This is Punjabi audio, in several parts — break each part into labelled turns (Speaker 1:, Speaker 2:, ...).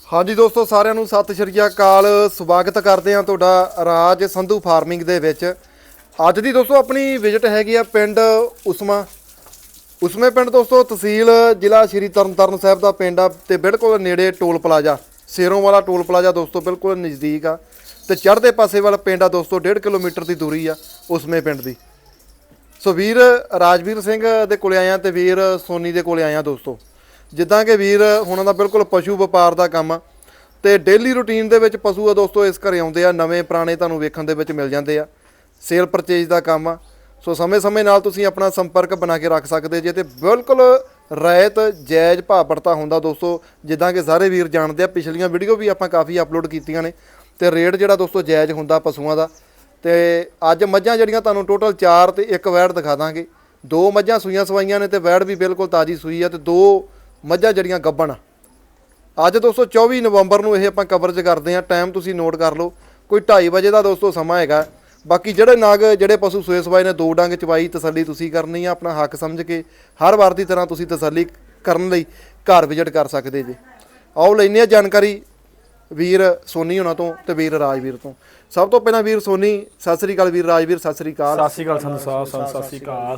Speaker 1: ਹਾਂਜੀ ਦੋਸਤੋ ਸਾਰਿਆਂ ਨੂੰ ਸਤਿ ਸ਼੍ਰੀ ਅਕਾਲ। ਸਵਾਗਤ ਕਰਦੇ ਹਾਂ ਤੁਹਾਡਾ ਰਾਜ ਸੰਧੂ ਫਾਰਮਿੰਗ ਦੇ ਵਿੱਚ। ਅੱਜ ਦੀ ਦੋਸਤੋ ਆਪਣੀ ਵਿਜ਼ਿਟ ਹੈਗੀ ਆ ਪਿੰਡ ਉਸਮੇ ਪਿੰਡ ਦੋਸਤੋ, ਤਹਿਸੀਲ ਜ਼ਿਲ੍ਹਾ ਸ਼੍ਰੀ ਤਰਨਤਾਰਨ ਸਾਹਿਬ ਦਾ ਪਿੰਡ ਆ ਤੇ ਬਿਲਕੁਲ ਨੇੜੇ ਟੋਲ ਪਲਾਜ਼ਾ, ਸੇਰੋਂ ਵਾਲਾ ਟੋਲ ਪਲਾਜ਼ਾ ਦੋਸਤੋ ਬਿਲਕੁਲ ਨਜ਼ਦੀਕ ਆ ਤੇ ਚੜ੍ਹਦੇ ਪਾਸੇ ਵਾਲਾ ਪਿੰਡ ਆ ਦੋਸਤੋ। 1.5 ਕਿਲੋਮੀਟਰ ਦੀ ਦੂਰੀ ਆ ਉਸਮੇ ਪਿੰਡ ਦੀ। ਸੋ ਵੀਰ ਰਾਜਵੀਰ ਸਿੰਘ ਦੇ ਕੋਲੇ ਆਇਆ ਤੇ ਵੀਰ ਸੋਨੀ ਦੇ ਕੋਲੇ ਆਇਆ ਦੋਸਤੋ। ਜਿੱਦਾਂ ਕਿ ਵੀਰ ਹੁਣਾਂ ਦਾ ਬਿਲਕੁਲ ਪਸ਼ੂ ਵਪਾਰ ਦਾ ਕੰਮ ਆ ਤੇ ਡੇਲੀ ਰੂਟੀਨ ਦੇ ਵਿੱਚ ਪਸ਼ੂ ਆ ਦੋਸਤੋ ਇਸ ਘਰੇ ਆਉਂਦੇ ਆ, ਨਵੇਂ ਪੁਰਾਣੇ ਤੁਹਾਨੂੰ ਵੇਖਣ ਦੇ ਵਿੱਚ ਮਿਲ ਜਾਂਦੇ ਆ। ਸੇਲ ਪਰਚੇਜ ਦਾ ਕੰਮ ਆ। ਸੋ ਸਮੇਂ-ਸਮੇਂ ਨਾਲ ਤੁਸੀਂ ਆਪਣਾ ਸੰਪਰਕ ਬਣਾ ਕੇ ਰੱਖ ਸਕਦੇ ਜੇ ਤੇ ਬਿਲਕੁਲ ਰਾਇਤ ਜਾਇਜ਼ ਭਾਅ ਪੜਤਾ ਹੁੰਦਾ ਦੋਸਤੋ। ਜਿੱਦਾਂ ਕਿ ਸਾਰੇ ਵੀਰ ਜਾਣਦੇ ਆ, ਪਿਛਲੀਆਂ ਵੀਡੀਓ ਵੀ ਆਪਾਂ ਕਾਫੀ ਅਪਲੋਡ ਕੀਤੀਆਂ ਨੇ ਤੇ ਰੇਟ ਜਿਹੜਾ ਦੋਸਤੋ ਜਾਇਜ਼ ਹੁੰਦਾ ਪਸ਼ੂਆਂ ਦਾ। ਤੇ ਅੱਜ ਮੱਝਾਂ ਜਿਹੜੀਆਂ ਤੁਹਾਨੂੰ ਟੋਟਲ 4 ਤੇ 1 ਵੈੜ ਦਿਖਾ ਦਾਂਗੇ। 2 ਮੱਝਾਂ ਸੂਈਆਂ ਸਵਾਈਆਂ ਨੇ ਤੇ ਵੈੜ ਵੀ ਬਿਲਕੁਲ ਤਾਜ਼ੀ ਸੂਈ ਆ ਤੇ 2 ਮੱਝਾਂ ਜਿਹੜੀਆਂ ਗੱਭਣ ਆ। ਅੱਜ ਦੋਸਤੋ 24 ਨਵੰਬਰ ਨੂੰ ਇਹ ਆਪਾਂ ਕਵਰੇਜ ਕਰਦੇ ਹਾਂ। ਟਾਈਮ ਤੁਸੀਂ ਨੋਟ ਕਰ ਲਓ, ਕੋਈ 2:30 ਵਜੇ ਦਾ ਦੋਸਤੋ ਸਮਾਂ ਹੈਗਾ। ਬਾਕੀ ਜਿਹੜੇ ਨਾਗ ਜਿਹੜੇ ਪਸ਼ੂ ਸੂਏ ਸਵਾਏ ਨੇ 2 ਡੰਗ ਚਵਾਈ ਤਸੱਲੀ ਤੁਸੀਂ ਕਰਨੀ ਆ, ਆਪਣਾ ਹੱਕ ਸਮਝ ਕੇ ਹਰ ਵਾਰ ਦੀ ਤਰ੍ਹਾਂ ਤੁਸੀਂ ਤਸੱਲੀ ਕਰਨ ਲਈ ਘਰ ਵਿਜ਼ਿਟ ਕਰ ਸਕਦੇ ਜੇ। ਆਓ ਲੈਂਦੇ ਆ ਜਾਣਕਾਰੀ ਵੀਰ ਸੋਨੀ ਹੋਣਾ ਤੋਂ ਤੇ ਵੀਰ ਰਾਜਵੀਰ ਤੋਂ। ਸਭ ਤੋਂ ਪਹਿਲਾਂ ਵੀਰ ਸੋਨੀ ਸਤਿ ਸ੍ਰੀ ਅਕਾਲ। ਵੀਰ ਰਾਜਵੀਰ ਸਤਿ ਸ੍ਰੀ ਅਕਾਲ।
Speaker 2: ਸਤਿ ਸ੍ਰੀ ਅਕਾਲ ਸੰਧੂ ਸਾਹਿਬ, ਸਤਿ ਸ੍ਰੀ ਅਕਾਲ।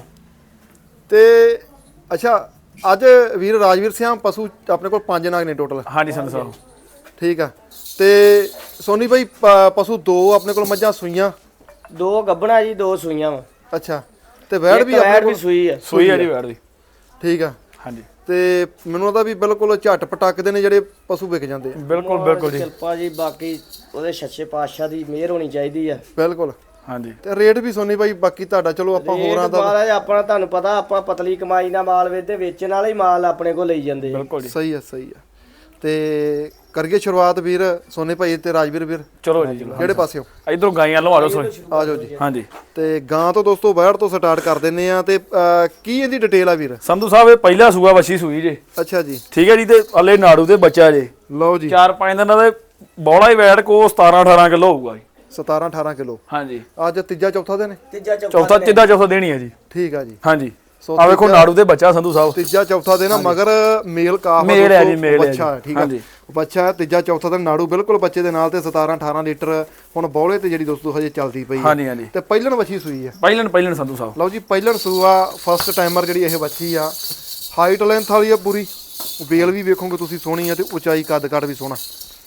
Speaker 1: ਤੇ ਅੱਛਾ, ਅੱਜ ਵੀਰ ਰਾਜਵੀਰ ਸਿੰਘ ਪਸ਼ੂ ਆਪਣੇ ਕੋਲ 5 ਨਾਗ ਨੇ ਟੋਟਲ।
Speaker 2: ਹਾਂਜੀ ਸੰਧੂ ਸਾਹਿਬ
Speaker 1: ਠੀਕ ਆ। ਤੇ ਸੋਨੀ ਭਾਈ ਪਸ਼ੂ 2 ਆਪਣੇ ਕੋਲ ਮੱਝਾਂ ਸੂਈਆਂ,
Speaker 3: 2 ਗੱਭਣਾ ਜੀ, 2 ਸੂਈਆਂ ਵਾ।
Speaker 1: ਅੱਛਾ, ਤੇ ਵੈੜ ਵੀ ਆਪਣੇ ਕੋਲ
Speaker 3: ਸੂਈ ਆ।
Speaker 2: ਸੂਈ ਆ ਜੀ ਵੈੜ ਦੀ।
Speaker 1: ਠੀਕ ਆ।
Speaker 2: ਹਾਂਜੀ,
Speaker 1: ਤੇ ਮੈਨੂੰ ਉਹਦਾ ਵੀ ਬਿਲਕੁਲ ਝੱਟ ਪਟਕਦੇ ਨੇ ਜਿਹੜੇ ਪਸ਼ੂ ਵਿਕ ਜਾਂਦੇ ਆ।
Speaker 2: ਬਿਲਕੁਲ ਬਿਲਕੁਲ ਜੀ,
Speaker 3: ਕਿਰਪਾ ਜੀ, ਬਾਕੀ ਉਹਦੇ ਸੱਚੇ ਪਾਤਸ਼ਾਹ ਦੀ ਮਿਹਰ ਹੋਣੀ ਚਾਹੀਦੀ ਆ।
Speaker 1: ਬਿਲਕੁਲ।
Speaker 2: ਹਾਂਜੀ,
Speaker 1: ਤੇ ਰੇਟ ਵੀ ਸੋਨੀ ਭਾਈ ਬਾਕੀ ਤੁਹਾਡਾ ਚਲੋ ਆਪਾਂ ਹੋਰਾਂ ਦਾ
Speaker 3: ਮਹਾਰਾਜ ਆਪਣਾ ਤੁਹਾਨੂੰ ਪਤਾ ਆਪਾਂ ਪਤਲੀ ਕਮਾਈ ਨਾਲ ਮਾਲ ਵੇਚਦੇ, ਵੇਚਣ ਵਾਲਾ ਹੀ ਮਾਲ ਆਪਣੇ ਕੋਲ ਲਈ ਜਾਂਦੇ ਆ।
Speaker 2: ਬਿਲਕੁਲ ਜੀ।
Speaker 1: ਸਹੀ ਆ ਸਹੀ ਆ। ਤੇ ਕਰੀਏ ਸ਼ੁਰੂਆਤ ਵੀਰ ਸੋਨੀ ਭਾਈ ਤੇ ਰਾਜਵੀਰ ਵੀਰ।
Speaker 2: ਚਲੋ ਜੀ,
Speaker 1: ਕਿਹੜੇ ਪਾਸਿਓਂ?
Speaker 2: ਇਧਰੋਂ ਗਾਈਆਂ ਲਓ, ਆ ਜਾਓ ਸੋਈ।
Speaker 1: ਆ ਜਾਓ ਜੀ।
Speaker 2: ਹਾਂਜੀ,
Speaker 1: ਤੇ ਗਾਂ ਤੋਂ ਦੋਸਤੋ ਵੈੜ ਤੋਂ ਸਟਾਰਟ ਕਰ ਦਿੰਨੇ ਆ। ਤੇ ਕੀ ਇਹਦੀ ਡਿਟੇਲ ਆ ਵੀਰ?
Speaker 2: ਸੰਧੂ ਸਾਹਿਬ ਇਹ ਪਹਿਲਾ ਸੂਆ ਵੱਛੀ ਸੂਈ ਜੇ।
Speaker 1: ਅੱਛਾ ਜੀ।
Speaker 2: ਠੀਕ ਹੈ ਜੀ। ਤੇ ਹਲੇ ਨਾੜੂ ਦੇ ਬੱਚਾ ਜੇ।
Speaker 1: ਲਓ ਜੀ।
Speaker 2: 4-5 ਦਿਨਾਂ ਦੇ ਬੋਲਾ ਹੀ ਵੈੜ ਕੋ 17-18 ਕਿਲੋ ਹੋਊਗਾ ਜੀ।
Speaker 1: 17-18 ਕਿਲੋ।
Speaker 2: ਹਾਂਜੀ,
Speaker 1: ਅੱਜ ਤੀਜਾ ਚੌਥਾ ਦਿਨ ਹੈ?
Speaker 3: ਤੀਜਾ
Speaker 2: ਚੌਥਾ ਦੇਣੀ ਹੈ ਜੀ।
Speaker 1: ਠੀਕ ਆ ਜੀ।
Speaker 2: ਹਾਂਜੀ,
Speaker 1: ਸੋ
Speaker 2: ਆ ਵੇਖੋ ਨਾੜੂ ਦੇ ਬੱਚਾ ਸੰਧੂ ਸਾਹਿਬ।
Speaker 1: ਤੀਜਾ ਚੌਥਾ ਦਿਨ ਆ, ਮਗਰ ਮੇਲ ਕਾਫ
Speaker 2: ਮੇਲ ਹੈ ਜੀ, ਮੇਲ ਹੈ
Speaker 1: ਬੱਚਾ। ਠੀਕ ਆ।
Speaker 2: ਹਾਂਜੀ,
Speaker 1: ਬੱਚਾ ਤੀਜਾ ਚੌਥਾ ਦਿਨ ਨਾੜੂ ਬਿਲਕੁਲ ਬੱਚੇ ਦੇ ਨਾਲ ਤੇ 17-18 ਲੀਟਰ ਹੁਣ ਬੌਲੇ ਤੇ ਜਿਹੜੀ ਦੋਸਤੋ ਹਜੇ ਚੱਲਦੀ ਪਈ ਹੈ।
Speaker 2: ਹਾਂਜੀ ਹਾਂਜੀ।
Speaker 1: ਤੇ ਪਹਿਲਣ ਵੱਛੀ ਸੂਈ ਆ।
Speaker 2: ਪਹਿਲਣ ਸੰਧੂ ਸਾਹਿਬ।
Speaker 1: ਲਓ ਜੀ, ਪਹਿਲਣ ਸੂਆ ਫਸਟ ਟਾਈਮਰ ਜਿਹੜੀ ਇਹ ਵੱਛੀ ਆ। ਹਾਈਟ ਲੈਂਥ ਵਾਲੀ ਆ ਪੂਰੀ। ਵੇਲ ਵੀ ਵੇਖੋਗੇ ਤੁਸੀਂ ਸੋਹਣੀ ਆ ਤੇ ਉਚਾਈ ਕੱਦ ਕੱਟ ਵੀ ਸੋਹਣਾ।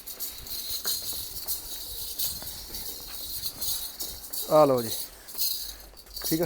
Speaker 1: ਆ ਲਓ ਜੀ। ਠੀਕ ਆ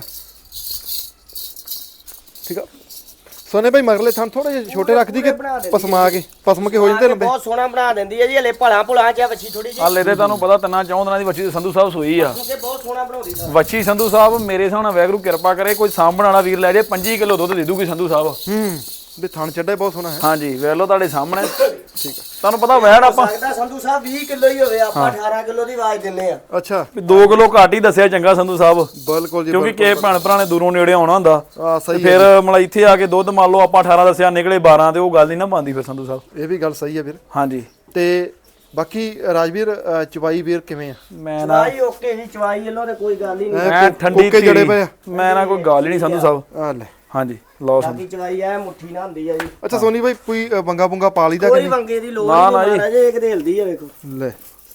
Speaker 1: ਠੀਕ ਆ। ਸੋਨੇ ਭਾਈ ਮਗਰਲੇ ਥਾਂ ਥੋੜੇ ਜਿਹੇ ਛੋਟੇ ਰੱਖਦੀ ਕਿ ਪਸਮ ਕੇ ਹੋ ਜਾਂਦੇ ਲੰਬੇ?
Speaker 3: ਬਹੁਤ ਸੋਹਣਾ ਬਣਾ ਦਿੰਦੀ ਹੈ ਜੀ। ਹਲੇ ਭਲਾ ਚ ਵੱਛੀ ਥੋੜੀ ਜਿਹੀ।
Speaker 2: ਹਾਲੇ ਤੇ ਤੁਹਾਨੂੰ ਪਤਾ 3-4 ਦਿਨਾਂ ਦੀ ਵੱਛੀ ਸੰਧੂ ਸਾਹਿਬ ਸੂਈ ਆ।
Speaker 3: ਬਹੁਤ ਸੋਹਣਾ ਬਣਾਉਂਦੀ ਸਰ
Speaker 2: ਵੱਛੀ ਸੰਧੂ ਸਾਹਿਬ। ਮੇਰੇ ਹਿਸਾਬ ਨਾਲ ਵੈਗਰੂ ਕਿਰਪਾ ਕਰੇ, ਕੋਈ ਸਾਂਭਣ ਵਾਲਾ ਵੀਰ ਲੈ ਜੇ 25 ਕਿਲੋ ਦੁੱਧ ਦੇ ਦੂਗੀ ਸੰਧੂ ਸਾਹਿਬ।
Speaker 1: ਵੀ ਥਣ ਚੱਡਾ ਬਹੁਤ ਸੋਹਣਾ ਹੈ।
Speaker 2: ਹਾਂਜੀ, ਵੇਖ ਲਓ ਤੁਹਾਡੇ ਸਾਹਮਣੇ। ਠੀਕ ਆ। ਤੁਹਾਨੂੰ ਪਤਾ ਵੈੜ ਆਪਾਂ
Speaker 3: ਲੱਗਦਾ ਸੰਧੂ ਸਾਹਿਬ 20 ਕਿਲੋ ਹੀ ਹੋਵੇ, ਆਪਾਂ 18 ਕਿਲੋ ਦੀ ਆਵਾਜ਼ ਦਿੰਨੇ ਆ।
Speaker 1: ਅੱਛਾ,
Speaker 2: 2 ਕਿਲੋ ਘੱਟ ਹੀ ਦੱਸਿਆ ਚੰਗਾ ਸੰਧੂ ਸਾਹਿਬ,
Speaker 1: ਬਿਲਕੁਲ ਜੀ।
Speaker 2: ਕਿਉਂਕਿ ਕਿਸੇ ਭੈਣ ਭਰਾ ਨੇ ਦੂਰੋਂ ਨੇੜੇ ਆਉਣਾ ਹੁੰਦਾ।
Speaker 1: ਆ ਸਹੀ
Speaker 2: ਫਿਰ ਮਤਲਬ ਇੱਥੇ ਆ ਕੇ ਦੁੱਧ ਮੰਨ ਲਓ ਆਪਾਂ 18 ਦੱਸਿਆ, ਨਿਕਲੇ 12 ਤੇ ਉਹ ਗੱਲ ਨਹੀਂ ਨਾ ਬਣਦੀ ਫਿਰ ਸੰਧੂ ਸਾਹਿਬ।
Speaker 1: ਇਹ ਵੀ ਗੱਲ ਸਹੀ ਹੈ ਵੀਰ।
Speaker 2: ਹਾਂਜੀ।
Speaker 1: ਤੇ ਬਾਕੀ ਰਾਜਵੀਰ ਚਵਾਈ ਵੀਰ ਕਿਵੇਂ ਆ?
Speaker 2: ਮੈਂ ਨਾ
Speaker 3: ਚਵਾਈ ਓਕੇ ਜੀ, ਚਵਾਈ ਵੱਲੋਂ ਤੇ ਕੋਈ ਗੱਲ ਹੀ ਨਹੀਂ।
Speaker 2: ਮੈਂ ਠੰਡੀ
Speaker 1: ਕੋਕੇ ਜੜੇ ਪਏ ਆ।
Speaker 2: ਮੈਂ ਨਾ ਕੋਈ ਗੱਲ ਹੀ ਨਹੀਂ ਸੰਧੂ ਸਾਹਿਬ।
Speaker 1: ਆ ਲੈ।
Speaker 2: ਹਾਂਜੀ, ਲਓ ਸੰਧੂ।
Speaker 3: ਬਾਕੀ ਚਵਾਈ ਐ ਮੁੱਠੀ ਨਾ ਹੁੰਦੀ ਆ ਜੀ।
Speaker 1: ਅੱਛਾ ਸੋਨੀ ਭਾਈ, ਕੋਈ ਬੰਗਾ ਬੁੰਗਾ ਪਾ ਲਈਦਾ ਕਿ
Speaker 3: ਕੋਈ
Speaker 1: ਨਹੀਂ?
Speaker 3: ਵੰਗੇ ਦੀ ਲੋੜ
Speaker 2: ਨਾ,
Speaker 3: ਨਹੀਂ
Speaker 2: ਜੀ।
Speaker 3: ਮਹਾਰਾਜ, ਇਹ ਘਦੇਲਦੀ ਆ ਵੇਖੋ।
Speaker 1: ਲੈ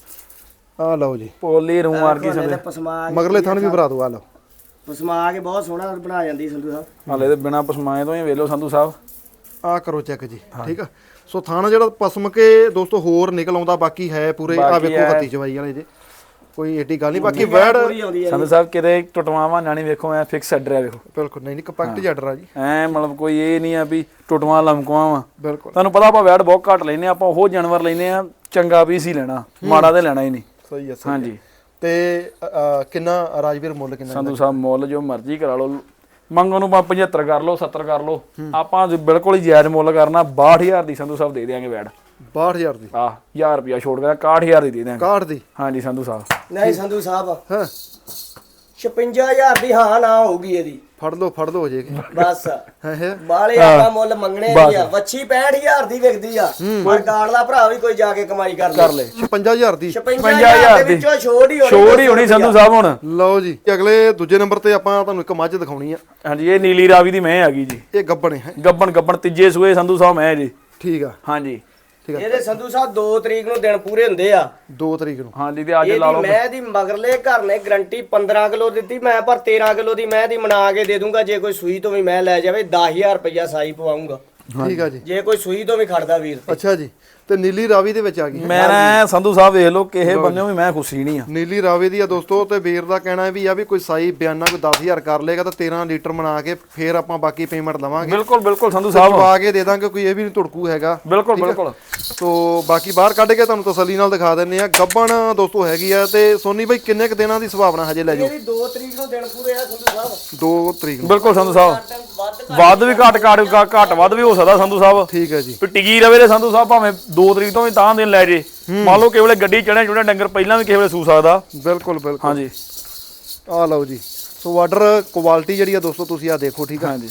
Speaker 1: ਆ ਲਓ ਜੀ।
Speaker 2: ਪੋਲੀ ਰੂ ਮਾਰ ਕੇ ਸੰਧੂ।
Speaker 3: ਪਸਮਾ
Speaker 1: ਮਗਰਲੇ ਥਣ ਵੀ ਭਰਾ ਦੋ। ਆ ਲਓ।
Speaker 3: ਪਸਮਾ ਕੇ ਬਹੁਤ ਸੋਹਣਾ ਬਣਾ ਜਾਂਦੀ ਸੰਧੂ ਸਾਹਿਬ।
Speaker 2: ਹਾਲੇ ਤੇ ਬਿਨਾ ਪਸਮਾਏ ਤੋਂ ਹੀ ਵੇਖ ਲਓ ਸੰਧੂ ਸਾਹਿਬ।
Speaker 1: ਆ ਕਰੋ ਚੈੱਕ ਜੀ। ਠੀਕ ਆ। ਸੋ ਥਾਣਾ ਜਿਹੜਾ ਪਸਮ ਕੇ ਦੋਸਤੋ ਹੋਰ ਨਿਕਲ ਆਉਂਦਾ, ਬਾਕੀ ਹੈ ਪੂਰੇ। ਆ ਵੇਖੋ ਹੱਤੀ ਚਵਾਈ ਵਾਲੇ ਜੇ, ਕੋਈ ਏਡੀ ਗੱਲ ਨਹੀਂ। ਬਾਕੀ ਵੈੜ
Speaker 3: ਪੂਰੀ ਆਉਂਦੀ ਆ
Speaker 2: ਸੰਧੂ ਸਾਹਿਬ ਕਿਤੇ ਟੁੱਟਵਾਵਾਂ ਨਾ ਨਹੀਂ, ਵੇਖੋ ਐ ਫਿਕਸ ਐਡਰ ਆ ਵੇਖੋ।
Speaker 1: ਬਿਲਕੁਲ ਨਹੀਂ ਕੰਪੈਕਟ ਜੱਡਰ ਆ ਜੀ।
Speaker 2: ਐ ਮਤਲਬ ਕੋਈ ਇਹ ਨਹੀਂ ਆ ਵੀ ਟੁੱਟਵਾਂ ਲਮਕਵਾਂ ਵਾ।
Speaker 1: ਬਿਲਕੁਲ
Speaker 2: ਤੁਹਾਨੂੰ ਪਤਾ ਆਪਾਂ ਵੈੜ ਬਹੁਤ ਘੱਟ ਲੈਨੇ ਆਪਾਂ, ਉਹ ਜਾਨਵਰ ਲੈਨੇ ਆ ਚੰਗਾ ਪੀਸ ਹੀ ਲੈਣਾ, ਮਾੜਾ ਤੇ ਲੈਣਾ ਹੀ ਨਹੀਂ।
Speaker 1: ਸਹੀ ਹੈ।
Speaker 2: ਹਾਂਜੀ।
Speaker 1: ਤੇ ਕਿੰਨਾ ਰਾਜਵੀਰ ਮੁੱਲ ਕਿੰਨਾ?
Speaker 2: ਸੰਧੂ ਸਾਹਿਬ ਮੁੱਲ ਜੋ ਮਰਜ਼ੀ ਕਰਾ ਲਓ, ਮੰਗੋ ਨੂੰ 75 ਕਰ ਲਓ, 70 ਕਰ ਲਓ, ਆਪਾਂ ਬਿਲਕੁਲ ਹੀ ਜਾਇਜ਼ ਮੁੱਲ ਕਰਨਾ। 62000 ਦੀ ਸੰਧੂ ਸਾਹਿਬ ਦੇ ਦੇਾਂਗੇ ਵੈੜ।
Speaker 1: 62000 ਦੀ?
Speaker 2: ਆਹ 1000 ਰੁਪਿਆ ਛੋੜ ਕੇ 61000 ਦੀ ਦੇ ਦੇਾਂਗੇ।
Speaker 1: 61 ਦੀ?
Speaker 2: ਹਾਂਜੀ ਸੰਧੂ ਸਾਹਿਬ।
Speaker 3: ਨਹੀਂ ਸੰਧੂ ਸਾਹਿਬ,
Speaker 1: ਹਾਂ
Speaker 3: 56000 ਦੀ ਹਾਂ ਨਾ ਹੋਊਗੀ ਇਹਦੀ।
Speaker 1: ਫੜ ਲਓ ਹੋ ਜੇਗੀ
Speaker 3: ਬਸ।
Speaker 1: ਹੈ
Speaker 3: ਬਾਲੇ ਆਪਾਂ ਮੁੱਲ ਮੰਗਣੇ ਨਹੀਂ ਆ। ਵੱਛੀ 65000 ਦੀ ਵਿਕਦੀ ਆ, ਪਰ ਗਾੜਲਾ ਭਰਾ ਵੀ ਕੋਈ ਜਾ ਕੇ ਕਮਾਈ ਕਰ ਲੈ।
Speaker 1: 56000 ਦੀ?
Speaker 3: 55000 ਦੇ ਵਿੱਚੋਂ ਛੋੜ ਹੀ ਹੋਣੀ
Speaker 2: ਸੰਧੂ ਸਾਹਿਬ ਹੁਣ।
Speaker 1: ਲਓ ਜੀ, ਅਗਲੇ ਦੂਜੇ ਨੰਬਰ ਤੇ ਆਪਾਂ ਤੁਹਾਨੂੰ ਇੱਕ ਮੱਝ ਦਿਖਾਉਣੀ ਆ।
Speaker 2: ਹਾਂਜੀ, ਇਹ ਨੀਲੀ ਰਾਵੀ ਦੀ ਮੈਂ ਹੈਗੀ ਜੀ।
Speaker 1: ਇਹ ਗੱਬਣ ਹੈ?
Speaker 2: ਗੱਬਣ ਤੀਜੇ ਸੂਏ ਸੰਧੂ ਸਾਹਿਬ ਮੈਂ ਜੀ।
Speaker 1: ਠੀਕ ਆ।
Speaker 2: ਹਾਂਜੀ,
Speaker 3: ਇਹਦੇ ਸੰਧੂ ਸਾਹਿਬ 2 ਤਰੀਕ ਨੂੰ ਦਿਨ ਪੂਰੇ ਹੁੰਦੇ ਆ
Speaker 1: 2 ਤਰੀਕ ਨੂੰ।
Speaker 2: ਹਾਂਜੀ ਤੇ ਅੱਜ ਲਾ
Speaker 3: ਇਹਦੀ
Speaker 2: ਲਓ
Speaker 3: ਮੈਂ ਦੀ ਮਗਰਲੇ ਘਰ ਨੇ ਗਰੰਟੀ 15 ਕਿਲੋ ਦਿੱਤੀ, ਮੈਂ ਪਰ 13 ਕਿਲੋ ਦੀ ਮੈਂ ਦੀ ਬਣਾ ਕੇ ਦੇ ਦੂੰਗਾ। ਜੇ ਕੋਈ ਸੂਈ ਤੋਂ ਵੀ ਮੈਂ ਲੈ ਜਾਵੇ 10000 ਰੁਪਇਆ ਸਾਈ ਪਵਾਉਂਗਾ।
Speaker 1: ਠੀਕ ਆ ਜੀ।
Speaker 3: ਜੇ ਕੋਈ ਸੂਈ ਤੋਂ ਵੀ ਖੜਦਾ ਵੀਰ ਤੇ।
Speaker 1: ਅੱਛਾ ਜੀ। ਤੇ ਨੀਲੀ ਰਾਵੀ ਦੇ ਵਿੱਚ ਆ ਗਈ।
Speaker 2: ਮੈਂ ਨਾ ਸੰਧੂ ਸਾਹਿਬ ਵੇਖ ਲਓ ਕਿਸੇ ਬੰਨਿਓ ਵੀ ਮੈਂ ਖੁਸ਼ੀ ਨਹੀਂ ਆ।
Speaker 1: ਨੀਲੀ ਰਾਵੇ ਦੀ ਆ ਦੋਸਤੋ। ਤੇ ਵੀਰ ਦਾ ਕਹਿਣਾ ਵੀ ਆ ਵੀ ਕੋਈ ਸਾਈ ਬਿਆਨਾ ਕੋਈ 10000 ਕਰ ਲੇਗਾ ਤਾਂ 13 ਲੀਟਰ ਬਣਾ ਕੇ ਫੇਰ ਆਪਾਂ ਬਾਕੀ ਪੇਮੈਂਟ ਦਵਾਂਗੇ।
Speaker 2: ਬਿਲਕੁਲ ਬਿਲਕੁਲ ਸੰਧੂ ਸਾਹਿਬ
Speaker 1: ਪਾ ਕੇ ਦੇ ਦਾਂਗੇ, ਕੋਈ ਇਹ ਵੀ ਨਹੀਂ ਧੁੜਕੂ ਹੈਗਾ।
Speaker 2: ਬਿਲਕੁਲ ਬਿਲਕੁਲ।
Speaker 1: ਸੋ ਬਾਕੀ ਬਾਹਰ ਕੱਢ ਕੇ ਤੁਹਾਨੂੰ ਤਸੱਲੀ ਨਾਲ ਦਿਖਾ ਦਿੰਨੇ ਆ। ਗੱਬਣ ਦੋਸਤੋ ਹੈਗੀ ਆ। ਤੇ ਸੋਨੀ ਬਾਈ ਕਿੰਨੇ ਕ ਦਿਨਾਂ ਦੀ ਸੰਭਾਵਨਾ ਹਜੇ ਲੈ ਜਾਓ?
Speaker 3: ਇਹਦੀ 2 ਤਰੀਕ ਨੂੰ ਦਿਨ ਪੂਰੇ ਆ ਸੰਧੂ ਸਾਹਿਬ।
Speaker 1: 2 ਤਰੀਕ ਨੂੰ।
Speaker 2: ਬਿਲਕੁਲ ਸੰਧੂ ਸਾਹਿਬ। ਵੱਧ ਵੀ ਘੱਟ ਵੱਧ ਵੀ ਹੋ ਸਕਦਾ ਸੰਧੂ ਸਾਹਿਬ।
Speaker 1: ਠੀਕ ਹੈ ਜੀ।
Speaker 2: ਵੀ ਟਿਕੀ ਰਵੇ ਤੇ ਸੰਧੂ ਸਾਹਿਬ ਭਾਵੇਂ 2 ਤਰੀਕ ਤੋਂ ਵੀ ਤਾਂ ਦਿਨ ਲੈ ਜੇ। ਮੰਨ ਲਓ ਕਿਸੇ ਵੇਲੇ ਗੱਡੀ ਚੜਿਆ ਡੰਗਰ ਪਹਿਲਾਂ ਵੀ ਕਿਸੇ ਵੇਲੇ ਸੂ ਸਕਦਾ।
Speaker 1: ਬਿਲਕੁਲ ਬਿਲਕੁਲ।
Speaker 2: ਹਾਂਜੀ
Speaker 1: ਆ ਲਓ ਜੀ। ਸੋ ਆਰਡਰ ਕੁਆਲਿਟੀ ਜਿਹੜੀ ਆ ਦੋਸਤੋ ਤੁਸੀਂ ਆ ਦੇਖੋ। ਠੀਕ ਆ।
Speaker 2: ਹਾਂਜੀ